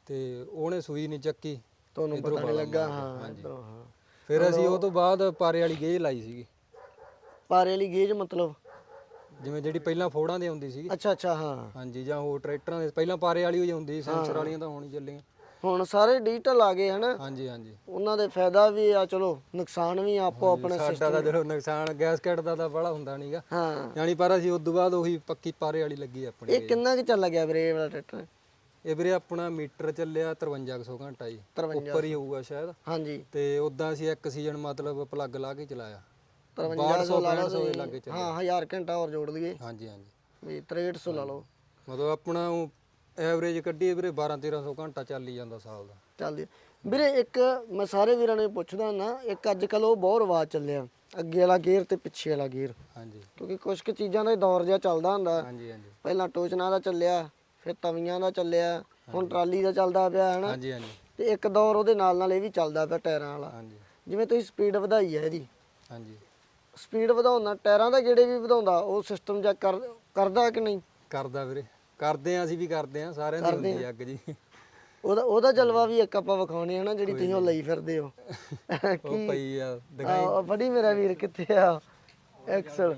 ਤੇ ਉਹਨੇ ਸੂਈ ਨਹੀਂ ਚੱਕੀ, ਤੁਹਾਨੂੰ ਇੱਧਰੋਂ ਪਤਾ ਨਹੀਂ ਬਾਲਾ ਲੱਗਾ। ਮਾਰ ਗਿਆ, ਹਾਂ ਹਾਂਜੀ। ਇੱਧਰੋਂ, ਹਾਂ। ਫਿਰ ਅਸੀਂ ਉਹ ਤੋਂ ਬਾਅਦ ਪਾਰੇ ਵਾਲੀ ਗੇਜ ਲਾਈ ਸੀਗੀ, ਪਾਰੇ ਵਾਲੀ ਗੇਜ ਮਤਲਬ? ਜਿਵੇਂ ਜਿਹੜੀ ਪਹਿਲਾਂ ਫੋੜਾਂ ਦੀ ਹੁੰਦੀ ਸੀਗੀ, ਅੱਛਾ ਅੱਛਾ, ਹਾਂ। ਹਾਂਜੀ, ਜਾਂ ਹੋਰ ਟਰੈਕਟਰਾਂ ਦੇ ਪਹਿਲਾਂ ਪਾਰੇ ਵਾਲੀ ਹੋਈ ਹੁੰਦੀ ਸੀ, ਸੈਂਸਰ ਵਾਲੀਆਂ ਤਾਂ ਹੁਣ ਹੀ ਚੱਲੀਆਂ। ਹੁਣ ਸਾਰੇ ਡਿਜੀਟਲ ਆ ਗਏ ਹਨਾ। ਹਾਂਜੀ ਹਾਂਜੀ। ਉਹਨਾਂ ਦੇ ਫਾਇਦਾ ਵੀ ਆ, ਚਲੋ ਨੁਕਸਾਨ ਵੀ ਆ, ਆਪੋ ਆਪਣੇ ਸਾਡਾ ਤਾਂ ਚਲੋ ਨੁਕਸਾਨ ਗੈਸਕਟ ਦਾ ਤਾਂ ਬੜਾ ਹੁੰਦਾ ਨਹੀਂਗਾ, ਹਾਂ। ਯਾਨੀ ਪਰ ਅਸੀਂ ਉਸ ਤੋਂ ਬਾਅਦ ਉਹੀ ਪੱਕੀ ਪਾਰੇ ਵਾਲੀ ਲੱਗੀ ਆਪਣੀ। ਇਹ ਕਿੰਨਾ ਕੁ ਚੱਲ ਗਿਆ ਵੀਰੇ ਇਹ ਵਾਲਾ ਟਰੈਕਟਰ? ਇਹ ਵੀਰੇ ਆਪਣਾ ਮੀਟਰ ਚੱਲਿਆ 5300 ਘੰਟਾ ਜੀ, 53 ਉੱਪਰ ਹੀ ਹੋਊਗਾ ਸ਼ਾਇਦ। ਹਾਂਜੀ। ਤੇ ਉਦਾਂ ਅਸੀਂ ਇੱਕ ਸੀਜ਼ਨ ਮਤਲਬ ਪਲੱਗ ਲਾ ਕੇ ਚਲਾਇਆ, 5300 ਲਾ 1200 ਦੇ ਲਓ। ਲਾਗੇ ਚੱਲਿਆ। ਹਾਂ 1000 ਘੰਟਾ ਹੋਰ ਜੋੜ ਲਈਏ ਹਾਂਜੀ ਹਾਂਜੀ, ਵੀ 6300 ਲਾ ਲਓ। ਮਤਲਬ ਆਪਣਾ ਐਵਰੇਜ ਕੱਢੀਏ ਵੀਰੇ 12-1300 ਘੰਟਾ ਚੱਲ ਹੀ ਜਾਂਦਾ ਸਾਲ ਦਾ। ਚੱਲਦੀ ਵੀਰੇ। ਇੱਕ ਮੈਂ ਸਾਰੇ ਵੀਰਾਂ ਨੂੰ ਪੁੱਛਦਾ ਨਾ, ਇੱਕ ਅੱਜ ਕੱਲ ਉਹ ਬਹੁਤ ਰਿਵਾਜ ਚੱਲਿਆ, ਅੱਗੇ ਵਾਲਾ ਗੇਅਰ ਤੇ ਪਿੱਛੇ ਵਾਲਾ ਗੇਅਰ। ਹਾਂਜੀ ਕਿਉਂਕਿ ਕੁਝ ਕੁ ਚੀਜ਼ਾਂ ਦਾ ਦੌਰ ਜਿਹਾ ਚੱਲਦਾ ਹੁੰਦਾ। ਹਾਂਜੀ ਹਾਂਜੀ ਪਹਿਲਾਂ ਟੋਚਨਾ ਦਾ ਚੱਲਿਆ, ਫਿਰ ਤਵੀਆਂ ਦਾ ਚੱਲਿਆ, ਹੁਣ ਟਰਾਲੀ ਦਾ ਚੱਲਦਾ ਪਿਆ ਹਨਾ। ਹਾਂਜੀ ਹਾਂਜੀ ਤੇ ਇੱਕ ਦੌਰ ਉਹਦੇ ਨਾਲ ਨਾਲ ਇਹ ਵੀ ਚੱਲਦਾ ਪਿਆ ਟਾਇਰਾਂ ਵਾਲਾ। ਹਾਂਜੀ ਜਿਵੇਂ ਤੁਸੀਂ ਸਪੀਡ ਵਧਾਈ ਹੈ ਇਹਦੀ, ਹਾਂਜੀ। ਸਪੀਡ ਵਧਾਉਣਾ ਟਾਇਰਾਂ ਦਾ ਗੇੜੇ ਵੀ ਵਧਾਉਂਦਾ, ਉਹ ਸਿਸਟਮ ਜਾਂ ਕਰਦਾ ਕਿ ਨਹੀਂ? ਕਰਦਾ ਵੀਰੇ, ਕਰਦੇ ਆ, ਅਸੀਂ ਵੀ ਕਰਦੇ ਆ, ਸਾਰਿਆਂ ਦੀ ਹੁੰਦੀ ਆ ਅੱਗ ਜੀ। ਉਹਦਾ ਜਲਵਾ ਵੀ ਇੱਕ ਆਪਾਂ ਵਿਖਾਉਣੇ ਹਨਾ, ਜਿਹੜੀ ਤੁਸੀਂ ਉਹ ਲਈ ਫਿਰਦੇ ਹੋ। ਉਹ ਪਈ ਆ ਆਹ ਫੜੀ ਮੇਰਾ ਵੀਰ, ਕਿੱਥੇ ਆ ਐਕਸਲ?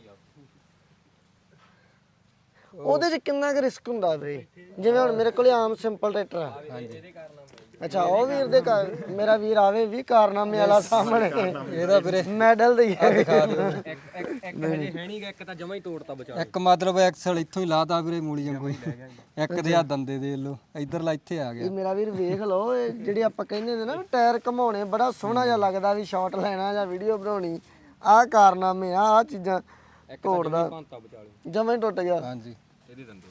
ਉਹਦੇ 'ਚ ਕਿੰਨਾ ਕੁ ਰਿਸਕ ਹੁੰਦਾ ਵੀਰੇ? ਜਿਵੇਂ ਹੁਣ ਮੇਰੇ ਕੋਲੇ ਆਮ ਸਿੰਪਲ ਟਰੈਕਟਰ ਆ। ਹਾਂਜੀ। ਅੱਛਾ, ਉਹ ਵੀਰ ਦੇ ਮੇਰਾ ਵੀਰ ਆਵੇ ਵੀ ਕਾਰਨਾਮੇ ਵਾਲਾ ਸਾਹਮਣੇ, ਇਹਦਾ ਵੀਰੇ ਮੈਡਲ ਦੇ ਦਿਖਾ ਦਿਓ। ਇੱਕ ਹਜੇ ਹੈ ਨਹੀਂਗਾ, ਇੱਕ ਤਾਂ ਜਮਾ ਹੀ ਤੋੜਤਾ ਬਚਾ। ਇੱਕ ਮਤਲਬ ਐਕਸਲ ਇੱਥੋਂ ਹੀ ਲਾਤਾ ਵੀਰੇ ਮੂਲੀ ਵਾਂਗੂ ਹੀ। ਇੱਕ ਤੇ ਆ ਦੰਦੇ ਦੇ ਲੋ, ਇਧਰਲਾ ਇੱਥੇ ਆ ਗਿਆ। ਇਹ ਮੇਰਾ ਵੀਰ ਵੇਖ ਲਓ, ਇਹ ਜਿਹੜੀ ਆਪਾਂ ਕਹਿੰਦੇ ਨੇ ਨਾ ਟਾਇਰ ਘਮਾਉਣੇ, ਬੜਾ ਸੋਹਣਾ ਜਿਹਾ ਲੱਗਦਾ ਵੀ ਸ਼ਾਟ ਲੈਣਾ ਜਾਂ ਵੀਡੀਓ ਬਣਾਉਣੀ। ਆਹ ਕਾਰਨਾਮੇ ਆਹ ਚੀਜ਼ਾਂ ਤੋੜਦਾ, ਜਮਾ ਹੀ ਟੁੱਟ ਗਿਆ। ਹਾਂਜੀ, ਇਹਦੀ ਦੰਦੇ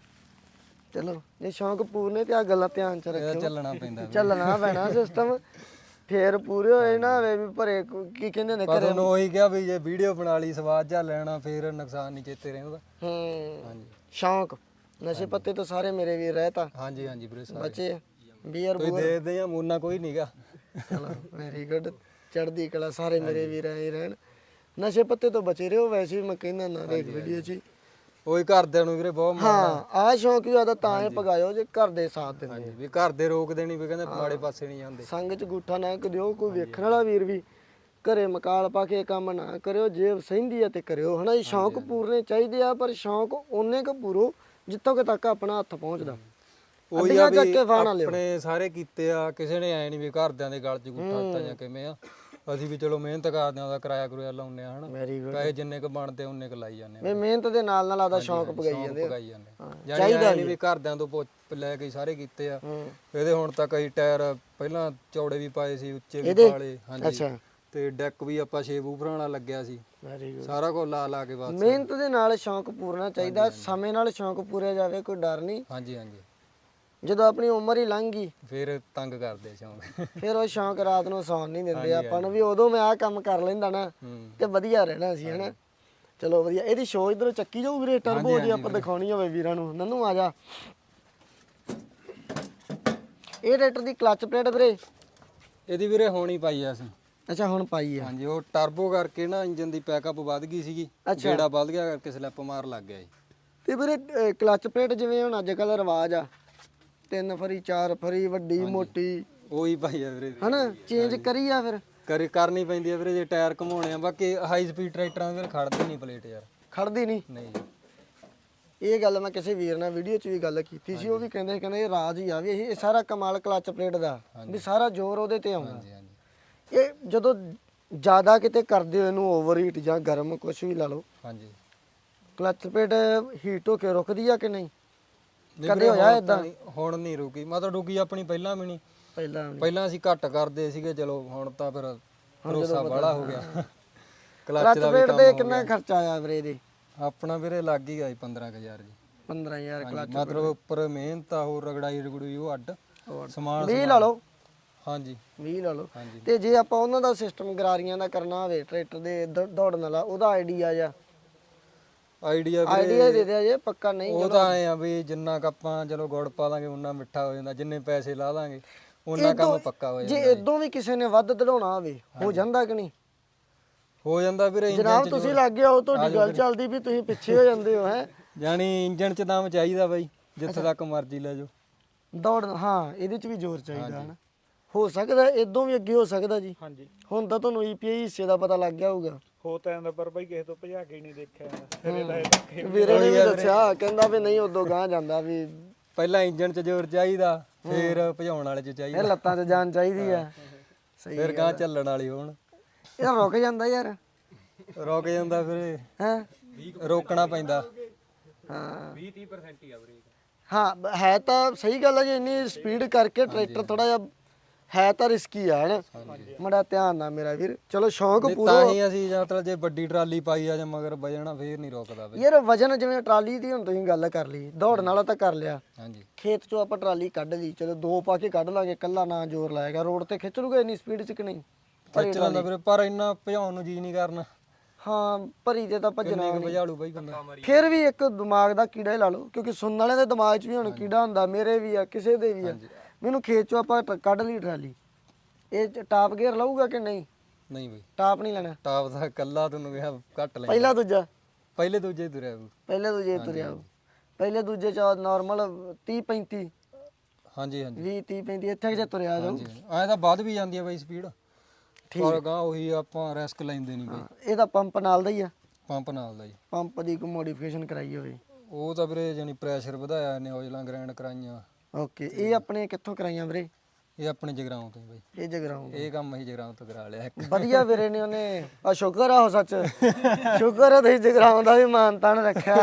ਚਲੋ ਜੇ ਸ਼ੌਂਕ ਪੂਰਨੇ ਤੇ ਆ ਗੱਲਾਂ ਧਿਆਨ ਚ ਇਹਦਾ ਰੱਖਿਓ, ਚੱਲਣਾ ਪੈਂਦਾ। ਚੱਲਣਾ ਪੈਣਾ ਸਿਸਟਮ, ਫੇਰ ਪੂਰੇ ਹੋਏ ਨਾ ਹੋਵੇ ਵੀ ਭਰੇ ਕੀ ਕਹਿੰਦੇ ਨੇ ਪਰ ਘਰੇ। ਉਹਨੂੰ ਉਹੀ ਕਿਹਾ ਵੀ ਜੇ ਵੀਡੀਓ ਬਣਾ ਲਈ ਸਵਾਦ ਜਾ ਲੈਣਾ, ਫੇਰ ਨੁਕਸਾਨ ਨਹੀਂ ਚੇਤੇ ਰਹਿੰਦਾ। ਹਾਂਜੀ ਸ਼ੌਂਕ ਨਸ਼ੇ ਪੱਤੇ ਤੋਂ ਸਾਰੇ ਮੇਰੇ ਵੀਰ ਰਹਿ ਤਾਂ ਹਾਂਜੀ ਹਾਂਜੀ ਵੀਰੇ, ਸਾਰੇ ਬੱਚੇ ਬੀਅਰ ਤੁਸੀਂ ਦੇਖਦੇ ਆ, ਮੂਨਾ ਕੋਈ ਨਹੀਂਗਾ। ਚਲੋ ਵੈਰੀ ਗੁੱਡ, ਚੜ੍ਹਦੀ ਕਲਾ, ਸਾਰੇ ਮੇਰੇ ਵੀਰ ਐਂ ਰਹਿਣ, ਨਸ਼ੇ ਪੱਤੇ ਤੋਂ ਬਚੇ ਰਹੋ। ਵੈਸੇ ਵੀ ਮੈਂ ਕਹਿੰਦਾ ਨਾ ਦੇਖ ਵੀਡੀਓ 'ਚ ਉਹੀ ਘਰਦਿਆਂ ਨੂੰ ਵੀਰੇ ਬਹੁਤ ਹਾਂ, ਆਹ ਸ਼ੌਂਕ ਵੀ ਜ਼ਿਆਦਾ ਤਾਂ ਹੀ ਪਗਾਇਓ ਜੇ ਘਰ ਦੇ ਸਾਥ ਦਿੰਦੇ। ਹਾਂਜੀ, ਵੀ ਘਰ ਦੇ ਰੋਕਦੇ ਨਹੀਂ, ਵੀ ਕਹਿੰਦੇ ਮਾੜੇ ਪਾਸੇ ਨਹੀਂ ਜਾਂਦੇ। ਸੰਗ 'ਚ ਗੂਠਾ ਨਾ ਕਰਿਓ, ਕੋਈ ਵੇਖਣ ਵਾਲਾ ਵੀਰ ਵੀ ਘਰੇ ਮਕਾਲ ਪਾ ਕੇ ਕੰਮ ਨਾ ਕਰਿਓ, ਜੇ ਸਹਿੰਦੀ ਆ ਤੇ ਕਰਿਓ ਹਨਾ। ਸ਼ੌਂਕ ਪੂਰਨੇ ਚਾਹੀਦੇ ਆ, ਪਰ ਸ਼ੌਂਕ ਓਨੇ ਕੁ ਪੂਰੋ ਜਿੱਥੋਂ ਤੱਕ ਆਪਣਾ ਹੱਥ ਪਹੁੰਚਦਾ। ਉਹੀ ਆ ਵੀ ਆਪਣੇ ਸਾਰੇ ਕੀਤੇ ਆ, ਕਿਸੇ ਨੇ ਐ ਨਹੀਂ ਵੀ ਘਰਦਿਆਂ ਦੇ ਗਲ 'ਚ ਗੁੱਠਾ ਦਿੱਤਾ ਜਾਂ ਕਿਵੇਂ ਆ। ਅਸੀਂ ਵੀ ਚਲੋ ਮਿਹਨਤ ਕਰਦੇ ਆ, ਉਹਦਾ ਕਿਰਾਇਆ ਕਰੂਆ ਲਾਉਂਦੇ ਆ ਹਨਾ, ਵੈਰੀ ਗੁੱਡ। ਪੈਸੇ ਜਿੰਨੇ ਕ ਬਣਦੇ ਉਹਨੇ ਕ ਲਾਈ ਜਾਂਦੇ ਆ, ਵੀ ਮਿਹਨਤ ਦੇ ਨਾਲ ਨਾਲ ਆਦਾ ਸ਼ੌਂਕ ਪਗਾਈ ਜਾਂਦੇ ਪਕਾਈ ਜਾਂਦੇ। ਚਾਹੀਦਾ ਨਹੀਂ ਵੀ ਘਰਦਿਆਂ ਤੋਂ ਲੈ ਕੇ ਸਾਰੇ ਕੀਤੇ ਆ। ਇਹਦੇ ਹੁਣ ਤੱਕ ਅਸੀਂ ਟਾਇਰ ਪਹਿਲਾਂ ਚੌੜੇ ਵੀ ਪਾਏ ਸੀ, ਉੱਚੇ ਵੀ ਪਾਲੇ। ਹਾਂਜੀ, ਤੇ ਡੈਕ ਵੀ ਆਪਾਂ 6 ਬੂਫਰਾਂ ਵਾਲਾ ਲੱਗਿਆ ਸੀ। Very good. ਸਾਰਾ ਕੁਝ ਲਾ ਲਾ ਕੇ ਬਸ ਮਿਹਨਤ ਦੇ ਨਾਲ ਸ਼ੌਂਕ ਪੂਰਨਾ ਚਾਹੀਦਾ, ਸਮੇਂ ਨਾਲ ਸ਼ੌਂਕ ਪੂਰਿਆ ਜਾਵੇ, ਕੋਈ ਡਰ ਨਹੀਂ। ਹਾਂਜੀ ਹਾਂਜੀ। ਜਦੋਂ ਆਪਣੀ ਉਮਰ ਹੀ ਲੰਘ ਗਈ ਫਿਰ ਤੰਗ ਕਰਦੇ ਸ਼ੌਂਕ, ਫਿਰ ਉਹ ਸ਼ੌਂਕ ਰਾਤ ਨੂੰ ਸੌਣ ਨਹੀਂ ਦਿੰਦੇ ਆਪਾਂ ਨੂੰ, ਵੀ ਉਦੋਂ ਮੈਂ ਆਹ ਕੰਮ ਕਰ ਲੈਂਦਾ ਨਾ ਤੇ ਵਧੀਆ ਰਹਿਣਾ ਸੀ ਹਨਾ। ਚਲੋ ਵਧੀਆ। ਇਹਦੀ ਸ਼ੋ ਇਧਰੋਂ ਚੱਕੀ ਜਾਊ ਵੀਰੇ, ਟਰਬੋ ਜੀ ਆਪਾਂ ਦਿਖਾਉਣੀ ਹੋਵੇ ਵੀਰਾਂ ਨੂੰ। ਨੰਨੂ ਆ ਜਾ। ਇਹ ਟਰੈਕਟਰ ਦੀ ਕਲਚ ਪਲੇਟ ਵੀਰੇ? ਇਹਦੀ ਵੀਰੇ ਹੋਣੀ ਪਾਈ ਆ ਅਸੀਂ। ਅੱਛਾ, ਹੁਣ ਪਾਈ ਆ। ਹਾਂਜੀ, ਉਹ ਟਰਬੋ ਕਰਕੇ ਨਾ ਇੰਜਨ ਦੀ ਪੈਕਅਪ ਵੱਧ ਗਈ ਸੀਗੀ, ਜਿਹੜਾ ਵੱਧ ਗਿਆ ਕਰਕੇ ਸਲਿੱਪ ਮਾਰ ਲੱਗ ਗਿਆ ਜੀ। ਤੇ ਵੀਰੇ ਕਲਚ ਪਲੇਟ ਜਿਵੇਂ ਹੁਣ ਅੱਜ ਕੱਲ ਰਿਵਾਜ ਆ, 3 ਫਰੀ 4 ਫਰੀ, ਵੱਡੀ ਮੋਟੀ, ਉਹੀ ਪਾਈ ਆ ਵੀਰੇ ਹਨਾ, ਚੇਂਜ ਕਰੀ ਆ ਫਿਰ ਕਰਨੀ ਪੈਂਦੀ ਆ ਵੀਰੇ ਜੇ ਟਾਇਰ ਘਮਾਉਣੇ ਆ। ਬਾਕੀ ਹਾਈ ਸਪੀਡ ਟਰੈਕਟਰਾਂ ਦੇ ਖੜਦੇ ਨਹੀਂ ਪਲੇਟ ਯਾਰ, ਖੜਦੀ ਨਹੀਂ। ਨਹੀਂ। ਇਹ ਗੱਲ ਮੈਂ ਕਿਸੇ ਵੀਰ ਨਾਲ ਵੀਡੀਓ 'ਚ ਵੀ ਗੱਲ ਕੀਤੀ ਸੀ, ਉਹ ਵੀ ਕਹਿੰਦੇ ਇਹ ਰਾਜ ਹੀ ਆ ਵੀ ਇਹ ਸਾਰਾ ਕਮਾਲ ਕਲਚ ਪਲੇਟ ਦਾ, ਵੀ ਸਾਰਾ ਜ਼ੋਰ ਉਹਦੇ ਤੇ ਆਉਂਦਾ। ਹਾਂਜੀ ਹਾਂਜੀ। ਇਹ ਜਦੋਂ ਜ਼ਿਆਦਾ ਕਿਤੇ ਕਰਦੇ ਹੋ ਇਹਨੂੰ ਓਵਰ ਹੀਟ ਜਾਂ ਗਰਮ ਕੁਝ ਵੀ ਲਾ ਲਓ, ਹਾਂਜੀ, ਕਲਚ ਪਲੇਟ ਹੀਟ ਹੋ ਕੇ ਰੁਕਦੀ ਆ ਕਿ ਨਹੀਂ? ਕਦੇ ਹੋਇਆ ਇਦਾਂ? ਹੁਣ ਨਹੀਂ ਰੁਕੀ, ਮਤਲਬ ਰੁਕੀ ਆਪਣੀ ਪਹਿਲਾਂ ਵੀ ਨਹੀਂ। ਪਹਿਲਾਂ ਅਸੀਂ ਘੱਟ ਕਰਦੇ ਸੀਗੇ, ਚਲੋ ਹੁਣ ਤਾਂ ਫਿਰ ਭਰੋਸਾ ਵਾਲਾ ਹੋ ਗਿਆ। ਕਲਚ ਪਲੇਟ ਤੇ ਕਿੰਨਾ ਖਰਚਾ ਆਇਆ ਵੀਰੇ ਇਹਦੇ? ਆਪਣਾ ਵੀਰੇ ਲੱਗ ਹੀ ਗਿਆ 15,000 ਜੀ। 15,000 ਕਲਚ ਮਤਲਬ ਉੱਪਰ ਮਿਹਨਤ ਆ, ਹੋਰ ਰਗੜਾਈ ਰਗੜੂਈ ਉਹ ਅੱਡ ਸਮਾਨ 20 ਲਾ ਲਓ। ਹਾਂਜੀ 20 ਲਾ ਲਓ। ਤੇ ਜੇ ਆਪਾਂ ਉਹਨਾਂ ਦਾ ਸਿਸਟਮ ਗਰਾਰੀਆਂ ਦਾ ਕਰਨਾ ਹੋਵੇ ਟਰੈਕਟਰ ਦੇ ਦੌੜਨ ਵਾਲਾ, ਉਹਦਾ ਆਈਡੀਆ ਜਾਂ ਆਈਡੀਆ ਦੇ ਦਿਆ ਜੇ ਪੱਕਾ? ਨਹੀਂ, ਉਹ ਤਾਂ ਐ ਆ ਵੀ ਜਿੰਨਾ ਕ ਆਪਾਂ ਚਲੋ ਗੁੜ ਪਾ ਦਾਂਗੇ ਉਨਾ ਮਿੱਠਾ ਹੋ ਜਾਂਦਾ, ਜਿੰਨੇ ਪੈਸੇ ਲਾ ਦਾਂਗੇ ਉਨਾ ਕੰਮ ਪੱਕਾ ਹੋ ਜਾਂਦਾ। ਜੇ ਇਦੋਂ ਵੀ ਕਿਸੇ ਨੇ ਵੱਧ ਦੜਾਉਣਾ ਹੋਵੇ ਹੋ ਜਾਂਦਾ ਕਿ ਨਹੀਂ? ਹੋ ਜਾਂਦਾ ਵੀਰੇ। ਜਨਾਬ ਤੁਸੀਂ ਲੱਗ ਗਏ ਹੋ, ਤੁਹਾਡੀ ਗੱਲ ਚੱਲਦੀ ਵੀ ਤੁਸੀਂ ਪਿੱਛੇ ਹੋ ਜਾਂਦੇ ਹੋ ਹੈ। ਜਾਨੀ ਇੰਜਣ 'ਚ ਦਮ ਚਾਹੀਦਾ ਬਾਈ, ਜਿੱਥੇ ਤੱਕ ਮਰਜ਼ੀ ਲੈ ਜਾਓ। ਦੌੜ ਹਾਂ ਇਹਦੇ ਚ ਵੀ ਜ਼ੋਰ ਚਾਹੀਦਾ ਹਨਾ ਹੋ ਸਕਦਾ ਇਦੋਂ ਵੀ ਅੱਗੇ ਹੋ ਸਕਦਾ ਜੀ ਹਾਂਜੀ ਹੁਣ ਤਾਂ ਤੁਹਾਨੂੰ EPI ਹਿੱਸੇ ਦਾ ਪਤਾ ਲੱਗ ਗਿਆ ਹੋਊਗਾ ਹੋ ਤਾਂ ਜਾਂਦਾ ਪਰ ਬਾਈ ਕਿਸੇ ਤੋਂ ਭਜਾ ਕੇ ਹੀ ਨਹੀਂ ਦੇਖਿਆ ਜਾਂਦਾ ਫਿਰ ਇਹਦਾ ਇਹ ਧੱਕੇ ਵੀ ਵੀਰੇ ਨੇ ਵੀ ਦੱਸਿਆ ਕਹਿੰਦਾ ਵੀ ਨਹੀਂ ਉਦੋਂ ਗਾਂ ਜਾਂਦਾ ਵੀ ਪਹਿਲਾਂ ਇੰਜਣ 'ਚ ਜ਼ੋਰ ਚਾਹੀਦਾ ਫਿਰ ਭਜਾਉਣ ਵਾਲੇ 'ਚ ਇਹ ਚਾਹੀਦਾ ਲੱਤਾਂ 'ਚ ਜਾਨ ਚਾਹੀਦੀ ਆ ਸਹੀ ਫਿਰ ਗਾਂ ਚੱਲਣ ਵਾਲੀ ਹੋਣ ਇਹ ਰੁਕ ਜਾਂਦਾ ਯਾਰ ਰੁਕ ਜਾਂਦਾ ਫਿਰ ਹੈ ਰੋਕਣਾ ਪੈਂਦਾ ਹਾਂ 20-30% ਹੀ ਆ ਬ੍ਰੇਕ ਹਾਂ ਹੈ ਤਾਂ ਸਹੀ ਗੱਲ ਹੈ ਜੀ ਇੰਨੀ ਸਪੀਡ ਕਰਕੇ ਟਰੈਕਟਰ ਥੋੜਾ ਜਿਹਾ ਹੈ ਤਾਂ ਰਿਸਕੀ ਆ ਹਨਾ ਮੜਾ ਧਿਆਨ ਨਾਲ ਮੇਰਾ ਵੀਰ ਚਲੋ ਸ਼ੌਂਕ ਨਹੀਂ, ਪੂਰਾ ਤਾਂ ਹੀ ਅਸੀਂ ਮਤਲਬ ਜੇ ਵੱਡੀ ਟਰਾਲੀ ਪਾਈ ਆ ਜਾਂ ਮਗਰ ਵਜਣਾ ਫੇਰ ਨਹੀਂ ਰੋਕਦਾ ਬਈ ਯਾਰ ਵਜਨ ਜਿਵੇਂ ਟਰਾਲੀ ਦੀ ਹੁਣ ਤੁਸੀਂ ਗੱਲ ਕਰ ਲਈ ਦੌੜਨ ਵਾਲਾ ਤਾਂ ਕਰ ਲਿਆ ਹਾਂਜੀ ਖੇਤ ਚੋਂ ਆਪਾਂ ਟਰਾਲੀ ਕੱਢ ਲਈ ਚਲੋ ਦੋ ਪਾ ਕੇ ਕੱਢ ਲਾਂਗੇ ਕੱਲਾ ਨਾ ਜ਼ੋਰ ਲਾਏਗਾ ਰੋਡ ਤੇ ਖਿੱਚ ਲੂਗਾ ਇੰਨੀ ਸਪੀਡ 'ਚ ਕਿ ਨਹੀਂ ਖਿੱਚ ਲੈਂਦਾ ਵੀਰੇ ਪਰ ਇੰਨਾ ਭਜਾਉਣ ਨੂੰ ਜੀ ਨਹੀਂ ਕਰਨਾ ਹਾਂ ਭਰੀ ਤੇ ਤਾਂ ਭੱਜਣਾ ਕਿੰਨੇ ਕੁ ਭਜਾਲੂ ਬਈ ਬੰਦਾ ਫਿਰ ਵੀ ਇੱਕ ਦਿਮਾਗ ਦਾ ਕੀੜਾ ਹੀ ਲਾ ਲਓ ਕਿਉਂਕਿ ਸੁਣਨ ਵਾਲਿਆਂ ਦੇ ਦਿਮਾਗ 'ਚ ਵੀ ਹੁਣ ਕੀੜਾ ਹੁੰਦਾ ਮੇਰੇ ਵੀ ਆ ਕਿਸੇ ਦੇ ਵੀ ਆ ਮੈਨੂੰ ਖੇਤ ਚੋਂ ਆਪਾਂ ਕੱਢ ਲਈ ਟਰਾਲੀ ਇਹ 'ਚ ਟਾਪ ਗੇਅਰ ਲਊਗਾ ਕਿ ਨਹੀਂ ਨਹੀਂ ਬਈ ਟਾਪ ਨਹੀਂ ਲੈਣਾ ਟਾਪ ਦਾ ਕੱਲਾ ਤੁਹਾਨੂੰ ਕਿਹਾ ਘੱਟ ਲੈ ਪਹਿਲਾ ਦੂਜਾ ਪਹਿਲੇ ਦੂਜੇ ਤੁਰਿਆ ਬਈ। ਪਹਿਲੇ ਦੂਜੇ ਤੁਰਿਆ ਹੋਊ। ਪਹਿਲੇ ਦੂਜੇ ਚ ਨਾਰਮਲ 30 35 ਹਾਂਜੀ ਹਾਂਜੀ 20 30 35 ਇੱਥੇ ਜੇ ਤੁਰਿਆ ਜਾਊ ਐਂ ਤਾਂ ਵੱਧ ਵੀ ਜਾਂਦੀ ਆ ਬਈ ਸਪੀਡ ਪਰ ਗਾਂ ਉਹੀ ਆਪਾਂ ਰਿਸਕ ਲੈਂਦੇ ਨਹੀਂ ਬਈ ਇਹਦਾ ਪੰਪ ਨਾਲ ਦਾ ਹੀ ਆ ਪੰਪ ਨਾਲ ਦਾ ਜੀ ਪੰਪ ਦੀ ਕੋਈ ਮੋਡੀਫਿਕੇਸ਼ਨ ਕਰਾਈ ਹੋਵੇ ਉਹ ਤਾਂ ਵੀਰੇ ਜਾਨੀ ਪ੍ਰੈਸ਼ਰ ਵਧਾਇਆ ਨਿਊਜ਼ਲਾਂ ਗ੍ਰੈਂਡ ਕਰਾਈਆਂ ਓਕੇ ਇਹ ਆਪਣੇ ਕਿੱਥੋਂ ਕਰਾਈਆਂ ਵੀਰੇ ਇਹ ਆਪਣੇ ਜਗਰਾਉਂ ਤੋਂ ਹੀ ਬਈ ਇਹ ਜਗਰਾਉਂ ਇਹ ਕੰਮ ਅਸੀਂ ਜਗਰਾਉਂ ਤੋਂ ਕਰਾ ਲਿਆ ਇੱਕ ਵਧੀਆ ਵੀਰੇ ਨੇ ਉਹਨੇ ਆ ਸ਼ੁਕਰ ਆ ਉਹ ਸੱਚ ਸ਼ੁਕਰ ਆ ਤੁਸੀਂ ਜਗਰਾਉਂ ਦਾ ਵੀ ਮਾਨ ਤਾਨ ਰੱਖਿਆ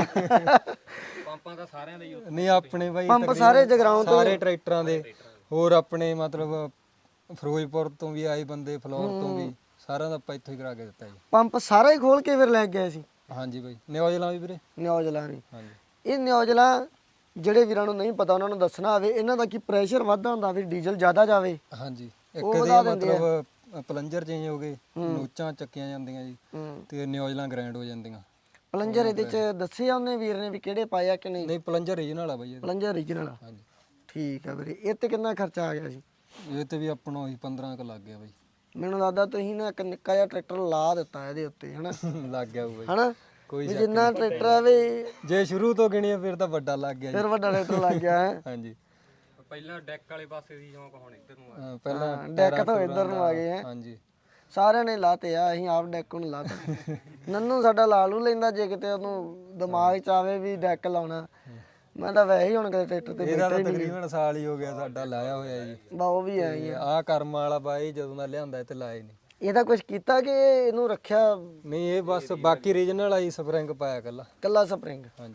ਪੰਪਾਂ ਤਾਂ ਸਾਰਿਆਂ ਦੇ ਹੀ ਨਹੀਂ ਆਪਣੇ ਬਾਈ ਪੰਪ ਤਕਰੀਬਨ ਸਾਰੇ ਜਗਰਾਉਂ ਤੋਂ ਸਾਰੇ ਟਰੈਕਟਰਾਂ ਦੇ ਹੋਰ ਆਪਣੇ ਮਤਲਬ ਫਿਰੋਜ਼ਪੁਰ ਤੋਂ ਵੀ ਆਏ ਬੰਦੇ ਫਲੋਰ ਤੋਂ ਵੀ ਸਾਰਿਆਂ ਦਾ ਆਪਾਂ ਇੱਥੋਂ ਹੀ ਕਰਾ ਕੇ ਦਿੱਤਾ ਜੀ ਪੰਪ ਸਾਰਾ ਹੀ ਖੋਲ ਕੇ ਫਿਰ ਲੈ ਗਏ ਸੀ ਹਾਂਜੀ ਬਾਈ ਨਿਊਜ਼ਲਾਂ ਵੀ ਵੀਰੇ ਨਿਊਜ਼ਲਾਂ ਵੀ ਹਾਂਜੀ ਇਹ ਨਿਊਜ਼ਲਾਂ ਜਿਹੜੇ ਵੀਰਾਂ ਨੂੰ ਨਹੀਂ ਪਤਾ ਉਹਨਾਂ ਨੂੰ ਦੱਸਣਾ ਹੋਵੇ ਇਹਨਾਂ ਦਾ ਕੀ ਪ੍ਰੈਸ਼ਰ ਵੱਧਦਾ ਹੁੰਦਾ ਵੀ ਡੀਜ਼ਲ ਜ਼ਿਆਦਾ ਜਾਵੇ ਹਾਂਜੀ ਇੱਕ ਇਹਦੇ ਮਤਲਬ ਪਲੰਜਰ ਚੇਂਜ ਹੋ ਗਏ ਨੋਚਾਂ ਚੱਕੀਆਂ ਜਾਂਦੀਆਂ ਜੀ ਤੇ ਨਿਊਜ਼ਲਾਂ ਗ੍ਰੈਂਡ ਹੋ ਜਾਂਦੀਆਂ ਪਲੰਜਰ ਇਹਦੇ ਚ ਦੱਸਿਆ ਉਹਨੇ ਵੀਰ ਨੇ ਵੀ ਕਿਹੜੇ ਪਾਇਆ ਕਿ ਨਹੀਂ ਨਹੀਂ ਪਲੰਜਰ ਰੀਜਨਲ ਆ ਬਾਈ ਇਹਦਾ ਪਲੰਜਰ ਓਰੀਜਨਲ ਆ ਹਾਂਜੀ ਠੀਕ ਆ ਵੀਰੇ ਇਹ ਤੇ ਕਿੰਨਾ ਖਰਚਾ ਆ ਗਿਆ ਸੀ ਇਹ ਤੇ ਵੀ ਆਪਣਾ ਹੀ 15 ਕ ਲੱਗ ਗਿਆ ਬਾਈ ਮੈਨੂੰ ਲੱਗਦਾ ਤੁਸੀਂ ਨਾ ਇੱਕ ਨਿੱਕਾ ਜਿਹਾ ਟਰੈਕਟਰ ਲਾ ਦਿੱਤਾ ਇਹਦੇ ਉੱਤੇ ਹਨਾ ਲੱਗ ਗਿਆ ਉਹ ਬਾਈ ਹਨਾ ਕੋਈ ਵੀ ਜਿੰਨਾ ਟਰੈਕਟਰ ਆਵੇ ਜੇ ਸ਼ੁਰੂ ਤੋਂ ਗਿਣੀਏ ਫਿਰ ਤਾਂ ਵੱਡਾ ਲੱਗ ਗਿਆ ਜੀ ਫਿਰ ਵੱਡਾ ਟਰੈਕਟਰ ਲੱਗ ਗਿਆ ਹੈ ਹਾਂਜੀ ਪਹਿਲਾਂ ਡੈਕ ਵਾਲੇ ਪਾਸੇ ਦੀ ਸ਼ੌਂਕ ਹੁਣ ਇੱਧਰ ਨੂੰ ਆ ਪਹਿਲਾਂ ਡੈਕ ਤੋਂ ਇੱਧਰ ਨੂੰ ਆ ਗਏ ਹੈ ਹਾਂਜੀ ਸਾਰਿਆਂ ਨੇ ਲਾਤੇ ਆ ਅਸੀਂ ਆਪ ਡੈਕ ਨੂੰ ਲਾਤਾ ਨੰਨੂ ਸਾਡਾ ਲਾ ਲੂ ਲੈਂਦਾ ਜੇ ਕਿਤੇ ਉਹਨੂੰ ਦਿਮਾਗ ਚ ਆਵੇ ਵੀ ਡੈਕ ਲਾਉਣਾ ਮੈਂ ਤਾਂ ਵੈਸੇ ਹੀ ਹੁਣ ਕਦੇ ਟਰੈਕਟਰ ਤੇ ਇਹਦਾ ਤਾਂ ਤਕਰੀਬਨ ਸਾਲ ਹੀ ਹੋ ਗਿਆ ਸਾਡਾ ਲਾਇਆ ਹੋਇਆ ਜੀ ਬਾ ਉਹ ਵੀ ਆਈ ਆ ਆਹ ਕਰਮ ਵਾਲਾ ਬਾਈ ਜਦੋਂ ਦਾ ਲਿਆਂਦਾ ਇਹ ਤੇ ਲਾਏ ਨਹੀਂ ਇਹਦਾ ਕੁਝ ਕੀਤਾ ਕਿ ਇਹਨੂੰ ਰੱਖਿਆ ਨਹੀਂ ਇਹ ਬਸ ਬਾਕੀ ਰੀਜਨਲ ਆਈ ਸਪਰਿੰਗ ਪਾਇਆ ਕੱਲਾ ਕੱਲਾ ਸਪਰਿੰਗ ਹਾਂਜੀ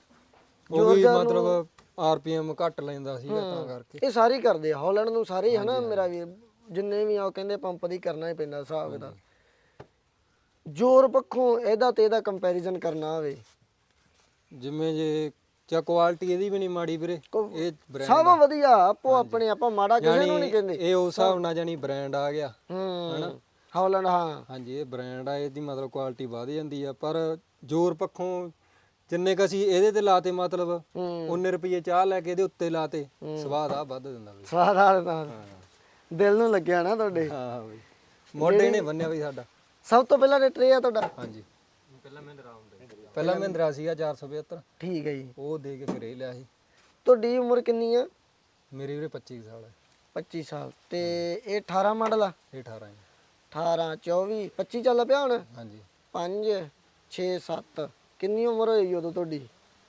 ਉਹ ਵੀ ਮਤਲਬ ਆਰਪੀਐਮ ਘੱਟ ਲੈਂਦਾ ਸੀਗਾ ਤਾਂ ਕਰਕੇ ਇਹ ਸਾਰੇ ਹੀ ਕਰਦੇ ਆ ਹਾਲੈਂਡ ਨੂੰ ਸਾਰੇ ਹੀ ਹਨਾ ਮੇਰਾ ਵੀ ਜਿੰਨੇ ਵੀ ਆ ਉਹ ਕਹਿੰਦੇ ਪੰਪ ਦੀ ਕਰਨਾ ਹੀ ਪੈਂਦਾ ਹਿਸਾਬ ਦਾ ਜ਼ੋਰ ਪੱਖੋਂ ਇਹਦਾ ਤੇ ਇਹਦਾ ਕੰਪੈਰੀਜ਼ਨ ਕਰਨਾ ਹੋਵੇ ਜਿਵੇਂ ਜੇ ਚਾ ਕੁਆਲਿਟੀ ਇਹਦੀ ਵੀ ਨਹੀਂ ਮਾੜੀ ਵੀਰੇ ਇਹ ਬ੍ਰਾਂਡ ਸਭ ਵਧੀਆ ਆਪੋ ਆਪਣੇ ਆਪਾਂ ਮਾੜਾ ਕਿਸੇ ਨੂੰ ਨਹੀਂ ਕਹਿੰਦੇ ਇਹ ਉਸ ਹਿਸਾਬ ਨਾਲ ਜਾਨੀ ਬ੍ਰਾਂਡ ਆ ਗਿਆ ਹਨਾ ਹਾਲੈਂਡ ਹਾਂ ਹਾਂਜੀ ਇਹ ਬ੍ਰਾਂਡ ਆ ਇਹਦੀ ਮਤਲਬ ਕੁਆਲਿਟੀ ਵਧ ਜਾਂਦੀ ਆ ਪਰ ਜ਼ੋਰ ਪੱਖੋਂ ਜਿੰਨੇ ਕ ਅਸੀਂ ਇਹਦੇ ਤੇ ਲਾਤੇ ਮਤਲਬ ਉਹਨੇ ਰੁਪਏ ਚਾਹ ਲੈ ਕੇ ਇਹਦੇ ਉੱਤੇ ਲਾਤੇ ਸਵਾਦ ਆ ਵੱਧ ਦਿੰਦਾ ਬਈ ਸਵਾਦ ਆ ਤਾਂ ਦਿਲ ਨੂੰ ਲੱਗਿਆ ਨਾ ਤੁਹਾਡੇ ਹਾਂ ਬਈ ਮੋਢੇ ਨੇ ਬੰਨਿਆ ਬਈ ਸਾਡਾ ਸਭ ਤੋਂ ਪਹਿਲਾਂ ਰੇਟ ਇਹ ਆ ਤੁਹਾਡਾ ਹਾਂਜੀ ਪਹਿਲਾਂ ਮਹਿੰਦਰਾ ਸੀਗਾ 475 ਠੀਕ ਹੈ ਜੀ ਉਹ ਦੇ ਕੇ ਫਿਰ ਇਹ ਲਿਆ ਸੀ ਤੁਹਾਡੀ ਉਮਰ ਕਿੰਨੀ ਆ ਮੇਰੀ ਵੀਰੇ 25 ਸਾਲ ਹੈ 25 ਸਾਲ ਤੇ ਇਹ 18 ਮਾਡਲ ਆ ਇਹ 18 ਹੈ 18 24 25 ਚੱਲ ਪਿਆ ਹੁਣ ਹਾਂਜੀ 5 6 7 ਕਿੰਨੀ ਉਮਰ ਹੋਈ ਉਦੋਂ ਤੁਹਾਡੀ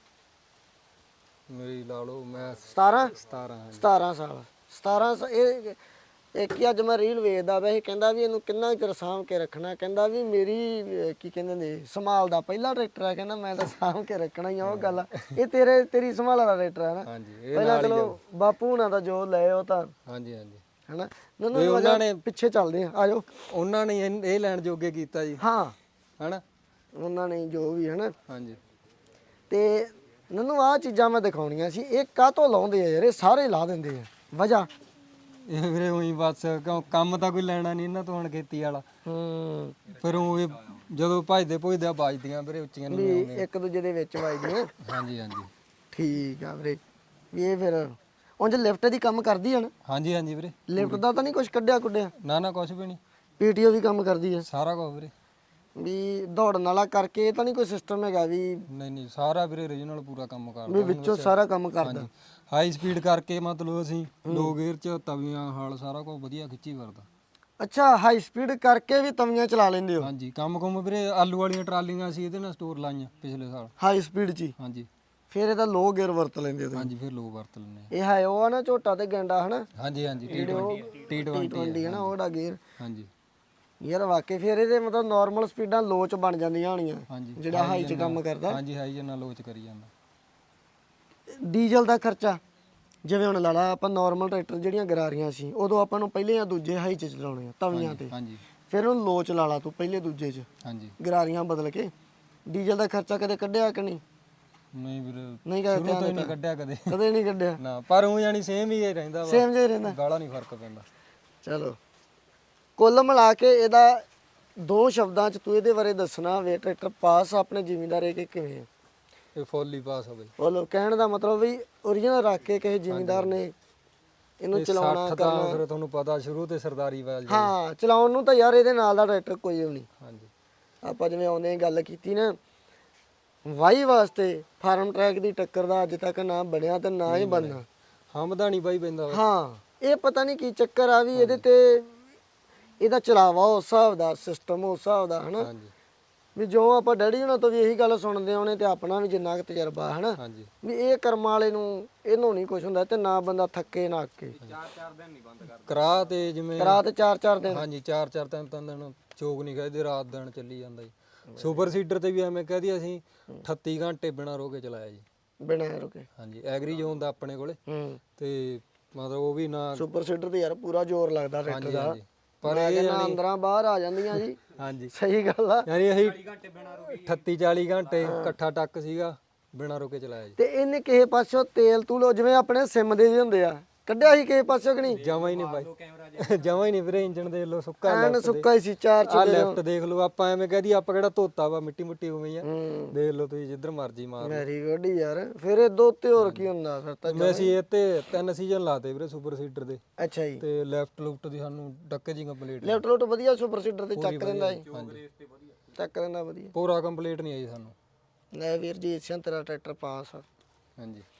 ਮੇਰੀ ਲਾ ਲਓ ਮੈਂ 17 17 ਹਾਂਜੀ 17 ਸਾਲ 17 ਇਹ ਇੱਕ ਹੀ ਅੱਜ ਮੈਂ ਰੀਲ ਵੇਖਦਾ ਵੈਸੇ ਕਹਿੰਦਾ ਵੀ ਇਹਨੂੰ ਕਿੰਨਾ ਚਿਰ ਸਾਂਭ ਕੇ ਰੱਖਣਾ ਕਹਿੰਦਾ ਵੀ ਮੇਰੀ ਕੀ ਕਹਿੰਦੇ ਨੇ ਸੰਭਾਲ ਦਾ ਪਹਿਲਾ ਟਰੈਕਟਰ ਆ ਕਹਿੰਦਾ ਮੈਂ ਤਾਂ ਸਾਂਭ ਕੇ ਰੱਖਣਾ ਹੀ ਆ ਉਹ ਗੱਲ ਆ ਇਹ ਤੇਰੀ ਸੰਭਾਲ ਦਾ ਟਰੈਕਟਰ ਆ ਨਾ ਹਾਂਜੀ ਇਹ ਪਹਿਲਾਂ ਚਲੋ ਬਾਪੂ ਹੁਣਾਂ ਦਾ ਜੋ ਲਏ ਉਹ ਤਾਂ ਹਾਂਜੀ ਹਾਂਜੀ ਹਨਾ ਉਹਨਾਂ ਨੇ ਪਿੱਛੇ ਚੱਲਦੇ ਆ ਆਜੋ ਉਹਨਾਂ ਨੇ ਇਹ ਲੈਣ ਜੋਗੇ ਕੀਤਾ ਜੀ ਹਾਂ ਹਨਾ ਉਹਨਾਂ ਨੇ ਜੋ ਵੀ ਹਨਾ ਹਾਂਜੀ ਤੇ ਮੈਨੂੰ ਆਹ ਚੀਜ਼ਾਂ ਮੈਂ ਦਿਖਾਉਣੀਆਂ ਸੀ ਇਹ ਕਾਹਤੋਂ ਲਾਉਂਦੇ ਆ ਯਾਰ ਇਹ ਸਾਰੇ ਲਾ ਦਿੰਦੇ ਆ ਵਜ੍ਹਾ ਇਹ ਵੀਰੇ ਉਹੀ ਬਸ ਕਿਉਂ ਕੰਮ ਤਾਂ ਕੋਈ ਲੈਣਾ ਨਹੀਂ ਇਹਨਾਂ ਤੋਂ ਹੁਣ ਖੇਤੀ ਵਾਲਾ ਫਿਰ ਉਹ ਜਦੋਂ ਭਜਦੇ ਭੁਜਦੇ ਬਾਜਦੀਆਂ ਵੀਰੇ ਉੱਚੀਆਂ ਨਹੀਂ ਵੀ ਇੱਕ ਦੂਜੇ ਦੇ ਵਿੱਚ ਵੱਜਦੀਆਂ ਹਾਂਜੀ ਹਾਂਜੀ ਠੀਕ ਆ ਵੀਰੇ ਵੀ ਇਹ ਫਿਰ ਉਂਝ ਲਿਫਟ ਦੀ ਕੰਮ ਕਰਦੀ ਆ ਨਾ ਹਾਂਜੀ ਹਾਂਜੀ ਵੀਰੇ ਲਿਫਟ ਦਾ ਤਾਂ ਨਹੀਂ ਕੁਝ ਕੱਢਿਆ ਕੁੱਢਿਆ ਨਾ ਕੁਝ ਵੀ ਨਹੀਂ ਪੀਟੀਓ ਵੀ ਕੰਮ ਕਰਦੀ ਆ ਸਾਰਾ ਕੁਝ ਵੀਰੇ ਵੀ ਦੌੜਨ ਵਾਲਾ ਕਰਕੇ ਇਹ ਤਾਂ ਨਹੀਂ ਕੋਈ ਸਿਸਟਮ ਹੈਗਾ ਵੀ ਨਹੀਂ ਸਾਰਾ ਵੀਰੇ ਰੀਜਨਲ ਪੂਰਾ ਕੰਮ ਕਰਦਾ ਵੀ ਵਿੱਚੋਂ ਸਾਰਾ ਕੰਮ ਕਰਦਾ ਹਾਈ ਸਪੀਡ ਕਰਕੇ ਮਤਲਬ ਅਸੀਂ ਲੋ ਗੇਅਰ 'ਚ ਤਵੀਆਂ ਹਾਲ ਸਾਰਾ ਕੁਝ ਵਧੀਆ ਖਿੱਚੀ ਵਰਦਾ। ਅੱਛਾ, ਹਾਈ ਸਪੀਡ ਕਰਕੇ ਵੀ ਤਵੀਆਂ ਚਲਾ ਲੈਂਦੇ ਹੋ? ਹਾਂਜੀ, ਕੰਮ ਵੀਰੇ ਆਲੂ ਵਾਲੀਆਂ ਟਰਾਲੀਆਂ ਸੀ ਇਹਦੇ ਨਾਲ ਸਟੋਰ ਲਾਈਆਂ ਪਿਛਲੇ ਸਾਲ। ਹਾਈ ਸਪੀਡ 'ਚ ਹੀ? ਹਾਂਜੀ ਫਿਰ ਇਹਦਾ ਲੋ ਗੇਅਰ ਵਰਤ ਲੈਂਦੇ ਹੋ ਤੁਸੀਂ? ਹਾਂਜੀ, ਫਿਰ ਲੋ ਵਰਤ ਲੈਂਦੇ ਇਹ ਹੈ ਉਹ ਆ ਨਾ ਝੋਟਾ ਤੇ ਗੈਂਡਾ ਹਨਾ? ਹਾਂਜੀ ਹਾਂਜੀ, T20 ਹੈ ਨਾ ਉਹਦਾ ਗੇਅਰ। ਹਾਂਜੀ ਯਾਰ ਵਾਕਈ ਫਿਰ ਇਹਦੇ ਮਤਲਬ ਨਾਰਮਲ ਸਪੀਡਾਂ ਲੋ ਚ ਬਣ ਜਾਂਦੀਆਂ ਹੋਣੀਆਂ ਹਾਂਜੀ, ਜਿਹੜਾ ਹਾਈ ਚ ਕੰਮ ਕਰਦਾ। ਹਾਂਜੀ, ਹਾਈ ਜਨਾ ਲੋ ਚ ਕਰੀ ਜਾਂਦਾ। ਡੀਜ਼ਲ ਦਾ ਖਰਚਾ ਜਿਵੇਂ ਹੁਣ ਲਾ ਲਾ ਆਪਾਂ ਨਾਰਮਲ ਟਰੈਕਟਰ ਜਿਹੜੀਆਂ ਗਰਾਰੀਆਂ ਸੀ ਉਦੋਂ ਆਪਾਂ ਨੂੰ ਪਹਿਲੇ ਜਾਂ ਦੂਜੇ ਹਾਈ ਚ ਚਲਾਉਣੇ ਆ ਤਵੀਆਂ ਤੇ, ਹਾਂਜੀ ਫਿਰ ਉਹਨੂੰ ਲੋ ਚ ਲਾ ਲਾ ਤੂੰ ਪਹਿਲੇ ਦੂਜੇ ਚ ਹਾਂਜੀ। ਗਰਾਰੀਆਂ ਬਦਲ ਕੇ। ਡੀਜ਼ਲ ਦਾ ਖਰਚਾ ਕਦੇ ਕੱਢਿਆ ਕਿ ਨਹੀਂ? ਨਹੀਂ ਵੀਰੇ, ਨਹੀਂ ਸ਼ੁਰੂ ਤੋਂ ਹੀ ਨਹੀਂ ਕੱਢਿਆ ਕਦੇ। ਕਦੇ ਨਹੀਂ ਕੱਢਿਆ? ਨਾ, ਪਰ ਉਹ ਜਾਨੀ ਸੇਮ ਹੀ ਰਹਿੰਦਾ ਵਾ, ਸੇਮ ਜਿਹਾ ਹੀ ਰਹਿੰਦਾ? ਗਾਲਾ ਨਹੀਂ ਫਰਕ ਪੈਂਦਾ। ਚਲੋ ਕੁੱਲ ਮਿਲਾ ਕੇ ਇਹਦਾ ਦੋ ਸ਼ਬਦਾਂ ਚ ਤੂੰ ਇਹਦੇ ਬਾਰੇ ਦੱਸਣਾ ਹੋਵੇ ਟਰੈਕਟਰ ਪਾਸ ਆਪਣੇ ਜ਼ਿਮੀਂਦਾਰ ਇਹ ਕਿ ਕਿਵੇਂ? ਇਹ ਫੁੱਲ ਹੀ ਪਾਸ ਹੋਵੇ। ਬੋਲੋ, ਕਹਿਣ ਦਾ ਮਤਲਬ ਵੀ ਓਰੀਜਨਲ ਰੱਖ ਕੇ ਕਿਸੇ ਜ਼ਿਮੀਂਦਾਰ ਨੇ ਇਹਨੂੰ ਚਲਾਉਣਾ 60 ਤਾਂ ਫਿਰ ਤੁਹਾਨੂੰ ਪਤਾ ਸ਼ੁਰੂ ਤੇ ਸਰਦਾਰੀ ਵਾਲ ਜੀ। ਹਾਂ, ਚਲਾਉਣ ਨੂੰ ਤਾਂ ਯਾਰ ਇਹਦੇ ਨਾਲ ਦਾ ਟਰੈਕਟਰ ਕੋਈ ਵੀ ਨਹੀਂ। ਹਾਂਜੀ, ਆਪਾਂ ਜਿਵੇਂ ਆਉਂਦੇ ਗੱਲ ਕੀਤੀ ਨਾ ਵਾਹੀ ਵਾਸਤੇ ਫਾਰਮ ਟਰੈਕ ਦੀ ਟੱਕਰ ਦਾ ਅੱਜ ਤੱਕ ਨਾ ਬਣਿਆ ਤੇ ਨਾ ਹੀ ਬਣਨਾ। ਹਮਦਾ ਨਹੀਂ ਬਾਈ ਪੈਂਦਾ ਵਾ। ਹਾਂ, ਇਹ ਪਤਾ ਨਹੀਂ ਕੀ ਚੱਕਰ ਆ ਵੀ ਇਹਦੇ ਤੇ ਇਹਦਾ ਚਲਾਵਾ ਉਸ ਹਿਸਾਬ ਦਾ, ਸਿਸਟਮ ਉਸ ਹਿਸਾਬ ਦਾ ਹਨਾ। ਹਾਂਜੀ ਵੀ ਜੋ ਆਪਾਂ ਡੈਡੀ ਹੁਣਾਂ ਤੋਂ ਵੀ ਇਹੀ ਗੱਲ ਸੁਣਦੇ ਆਉਣੇ ਤੇ ਆਪਣਾ ਵੀ ਜਿੰਨਾ ਕੁ ਤਜਰਬਾ ਹਨਾ ਹਾਂਜੀ। ਵੀ ਇਹ ਕਰਮਾਂ ਵਾਲੇ ਨੂੰ ਇਹਨੂੰ ਨਹੀਂ ਕੁਝ ਹੁੰਦਾ ਤੇ ਨਾ ਬੰਦਾ ਥੱਕੇ ਨਾ ਅੱਕੇ। 4-4 ਦਿਨ ਨਹੀਂ ਬੰਦ ਕਰਦਾ ਕਰਾ ਤੇ ਜਿਵੇਂ ਰਾਤ 4-4 ਦਿਨ? ਹਾਂਜੀ, 4-4 3 ਦਿਨ ਚੋਕ ਨਹੀਂ ਖਾਦੇ, ਰਾਤ ਦਿਨ ਚੱਲੀ ਜਾਂਦਾ ਜੀ। ਸੁਪਰ ਸੀਡਰ ਤੇ ਵੀ ਐਵੇਂ ਕਹਦੀ ਅਸੀਂ 38 ਘੰਟੇ ਬਿਨਾਂ ਰੋਕੇ ਚਲਾਇਆ ਜੀ। ਬਿਨਾਂ ਰੁਕੇ? ਹਾਂਜੀ, ਐਗਰੀ ਜ਼ੋਨ ਦਾ ਆਪਣੇ ਕੋਲੇ ਤੇ ਮਤਲਬ ਉਹ ਵੀ ਨਾ। ਸੁਪਰ ਸੀਡਰ ਤੇ ਯਾਰ ਪੂਰਾ ਜ਼ੋਰ ਲੱਗਦਾ ਟਰੈਕਟਰ ਦਾ, ਪਰ ਮੈਂ ਕਹਿੰਦਾ ਅੰਦਰਾਂ ਬਾਹਰ ਆ ਜਾਂਦੀਆਂ ਜੀ। ਹਾਂਜੀ, ਸਹੀ ਗੱਲ ਆ। ਯਾਨੀ ਅਸੀਂ 38 40 ਘੰਟੇ ਇਕੱਠਾ ਟੱਕ ਸੀਗਾ ਬਿਨਾਂ ਰੋਕੇ ਚਲਾਇਆ ਜੀ। ਤੇ ਇਹਨੇ ਕਿਸੇ ਪਾਸੋਂ ਤੇਲ ਤੂਲ ਜਿਵੇਂ ਆਪਣੇ ਸਿਮ ਦੇ ਵੀ ਹੁੰਦੇ ਆ ਕੱਢਿਆ ਸੀ ਕਿਸੇ ਪਾਸੋਂ ਕਿ ਨਹੀਂ? ਜਮਾ ਹੀ ਨਹੀਂ ਬਾਈ, ਜਮਾ ਹੀ ਨਹੀਂ ਵੀਰੇ। ਇੰਜਣ ਦੇਖ ਲਓ ਸੁੱਕਾ, ਐਨ ਸੁੱਕਾ ਹੀ ਸੀ ਚਾਰ ਆ ਚੁੱਲੇ। ਲੈਫਟ ਦੇਖ ਲਓ, ਆਪਾਂ ਐਵੇਂ ਕਹਦੀ ਆਪਾਂ ਕਿਹੜਾ ਧੋਤਾ ਵਾ, ਮਿੱਟੀ ਮੁੱਟੀ ਉਵੇਂ ਹੀ ਆ। ਦੇਖ ਲਓ ਤੁਸੀਂ ਜਿੱਧਰ ਮਰਜੀ ਮਾਰ ਲਓ। ਵੈਰੀ ਗੁੱਡ ਯਾਰ। ਫਿਰ ਇਹ ਦੋ ਤੇ ਹੋਰ ਕੀ ਹੁੰਦਾ ਫਿਰ ਤਾਂ? ਮੈਂ ਅਸੀਂ ਇਹ ਤੇ 3 ਸੀਜ਼ਨ ਲਾਤੇ ਵੀਰੇ ਸੁਪਰ ਸੀਡਰ ਦੇ। ਅੱਛਾ ਜੀ। ਤੇ ਲੈਫਟ ਲੁਫਟ ਦੀ ਸਾਨੂੰ ਡੱਕੇ ਜੀ ਕੰਪਲੀਟ, ਲੈਫਟ ਲੁੱਟ ਵਧੀਆ ਸੁਪਰ ਸੀਡਰ ਤੇ ਚੱਕ ਦਿੰਦਾ ਜੀ? ਹਾਂਜੀ, ਚੱਕ ਦਿੰਦਾ ਵਧੀਆ। ਪੂਰਾ ਕੰਪਲੀਟ ਨਹੀਂ ਆਈ ਸਾਨੂੰ। ਲੈ ਵੀਰ ਜੀ, ਇਸਿਆਂ ਤੇਰਾ ਟਰੈਕਟਰ ਪਾਸ ਆ। ਹਾਂਜੀ।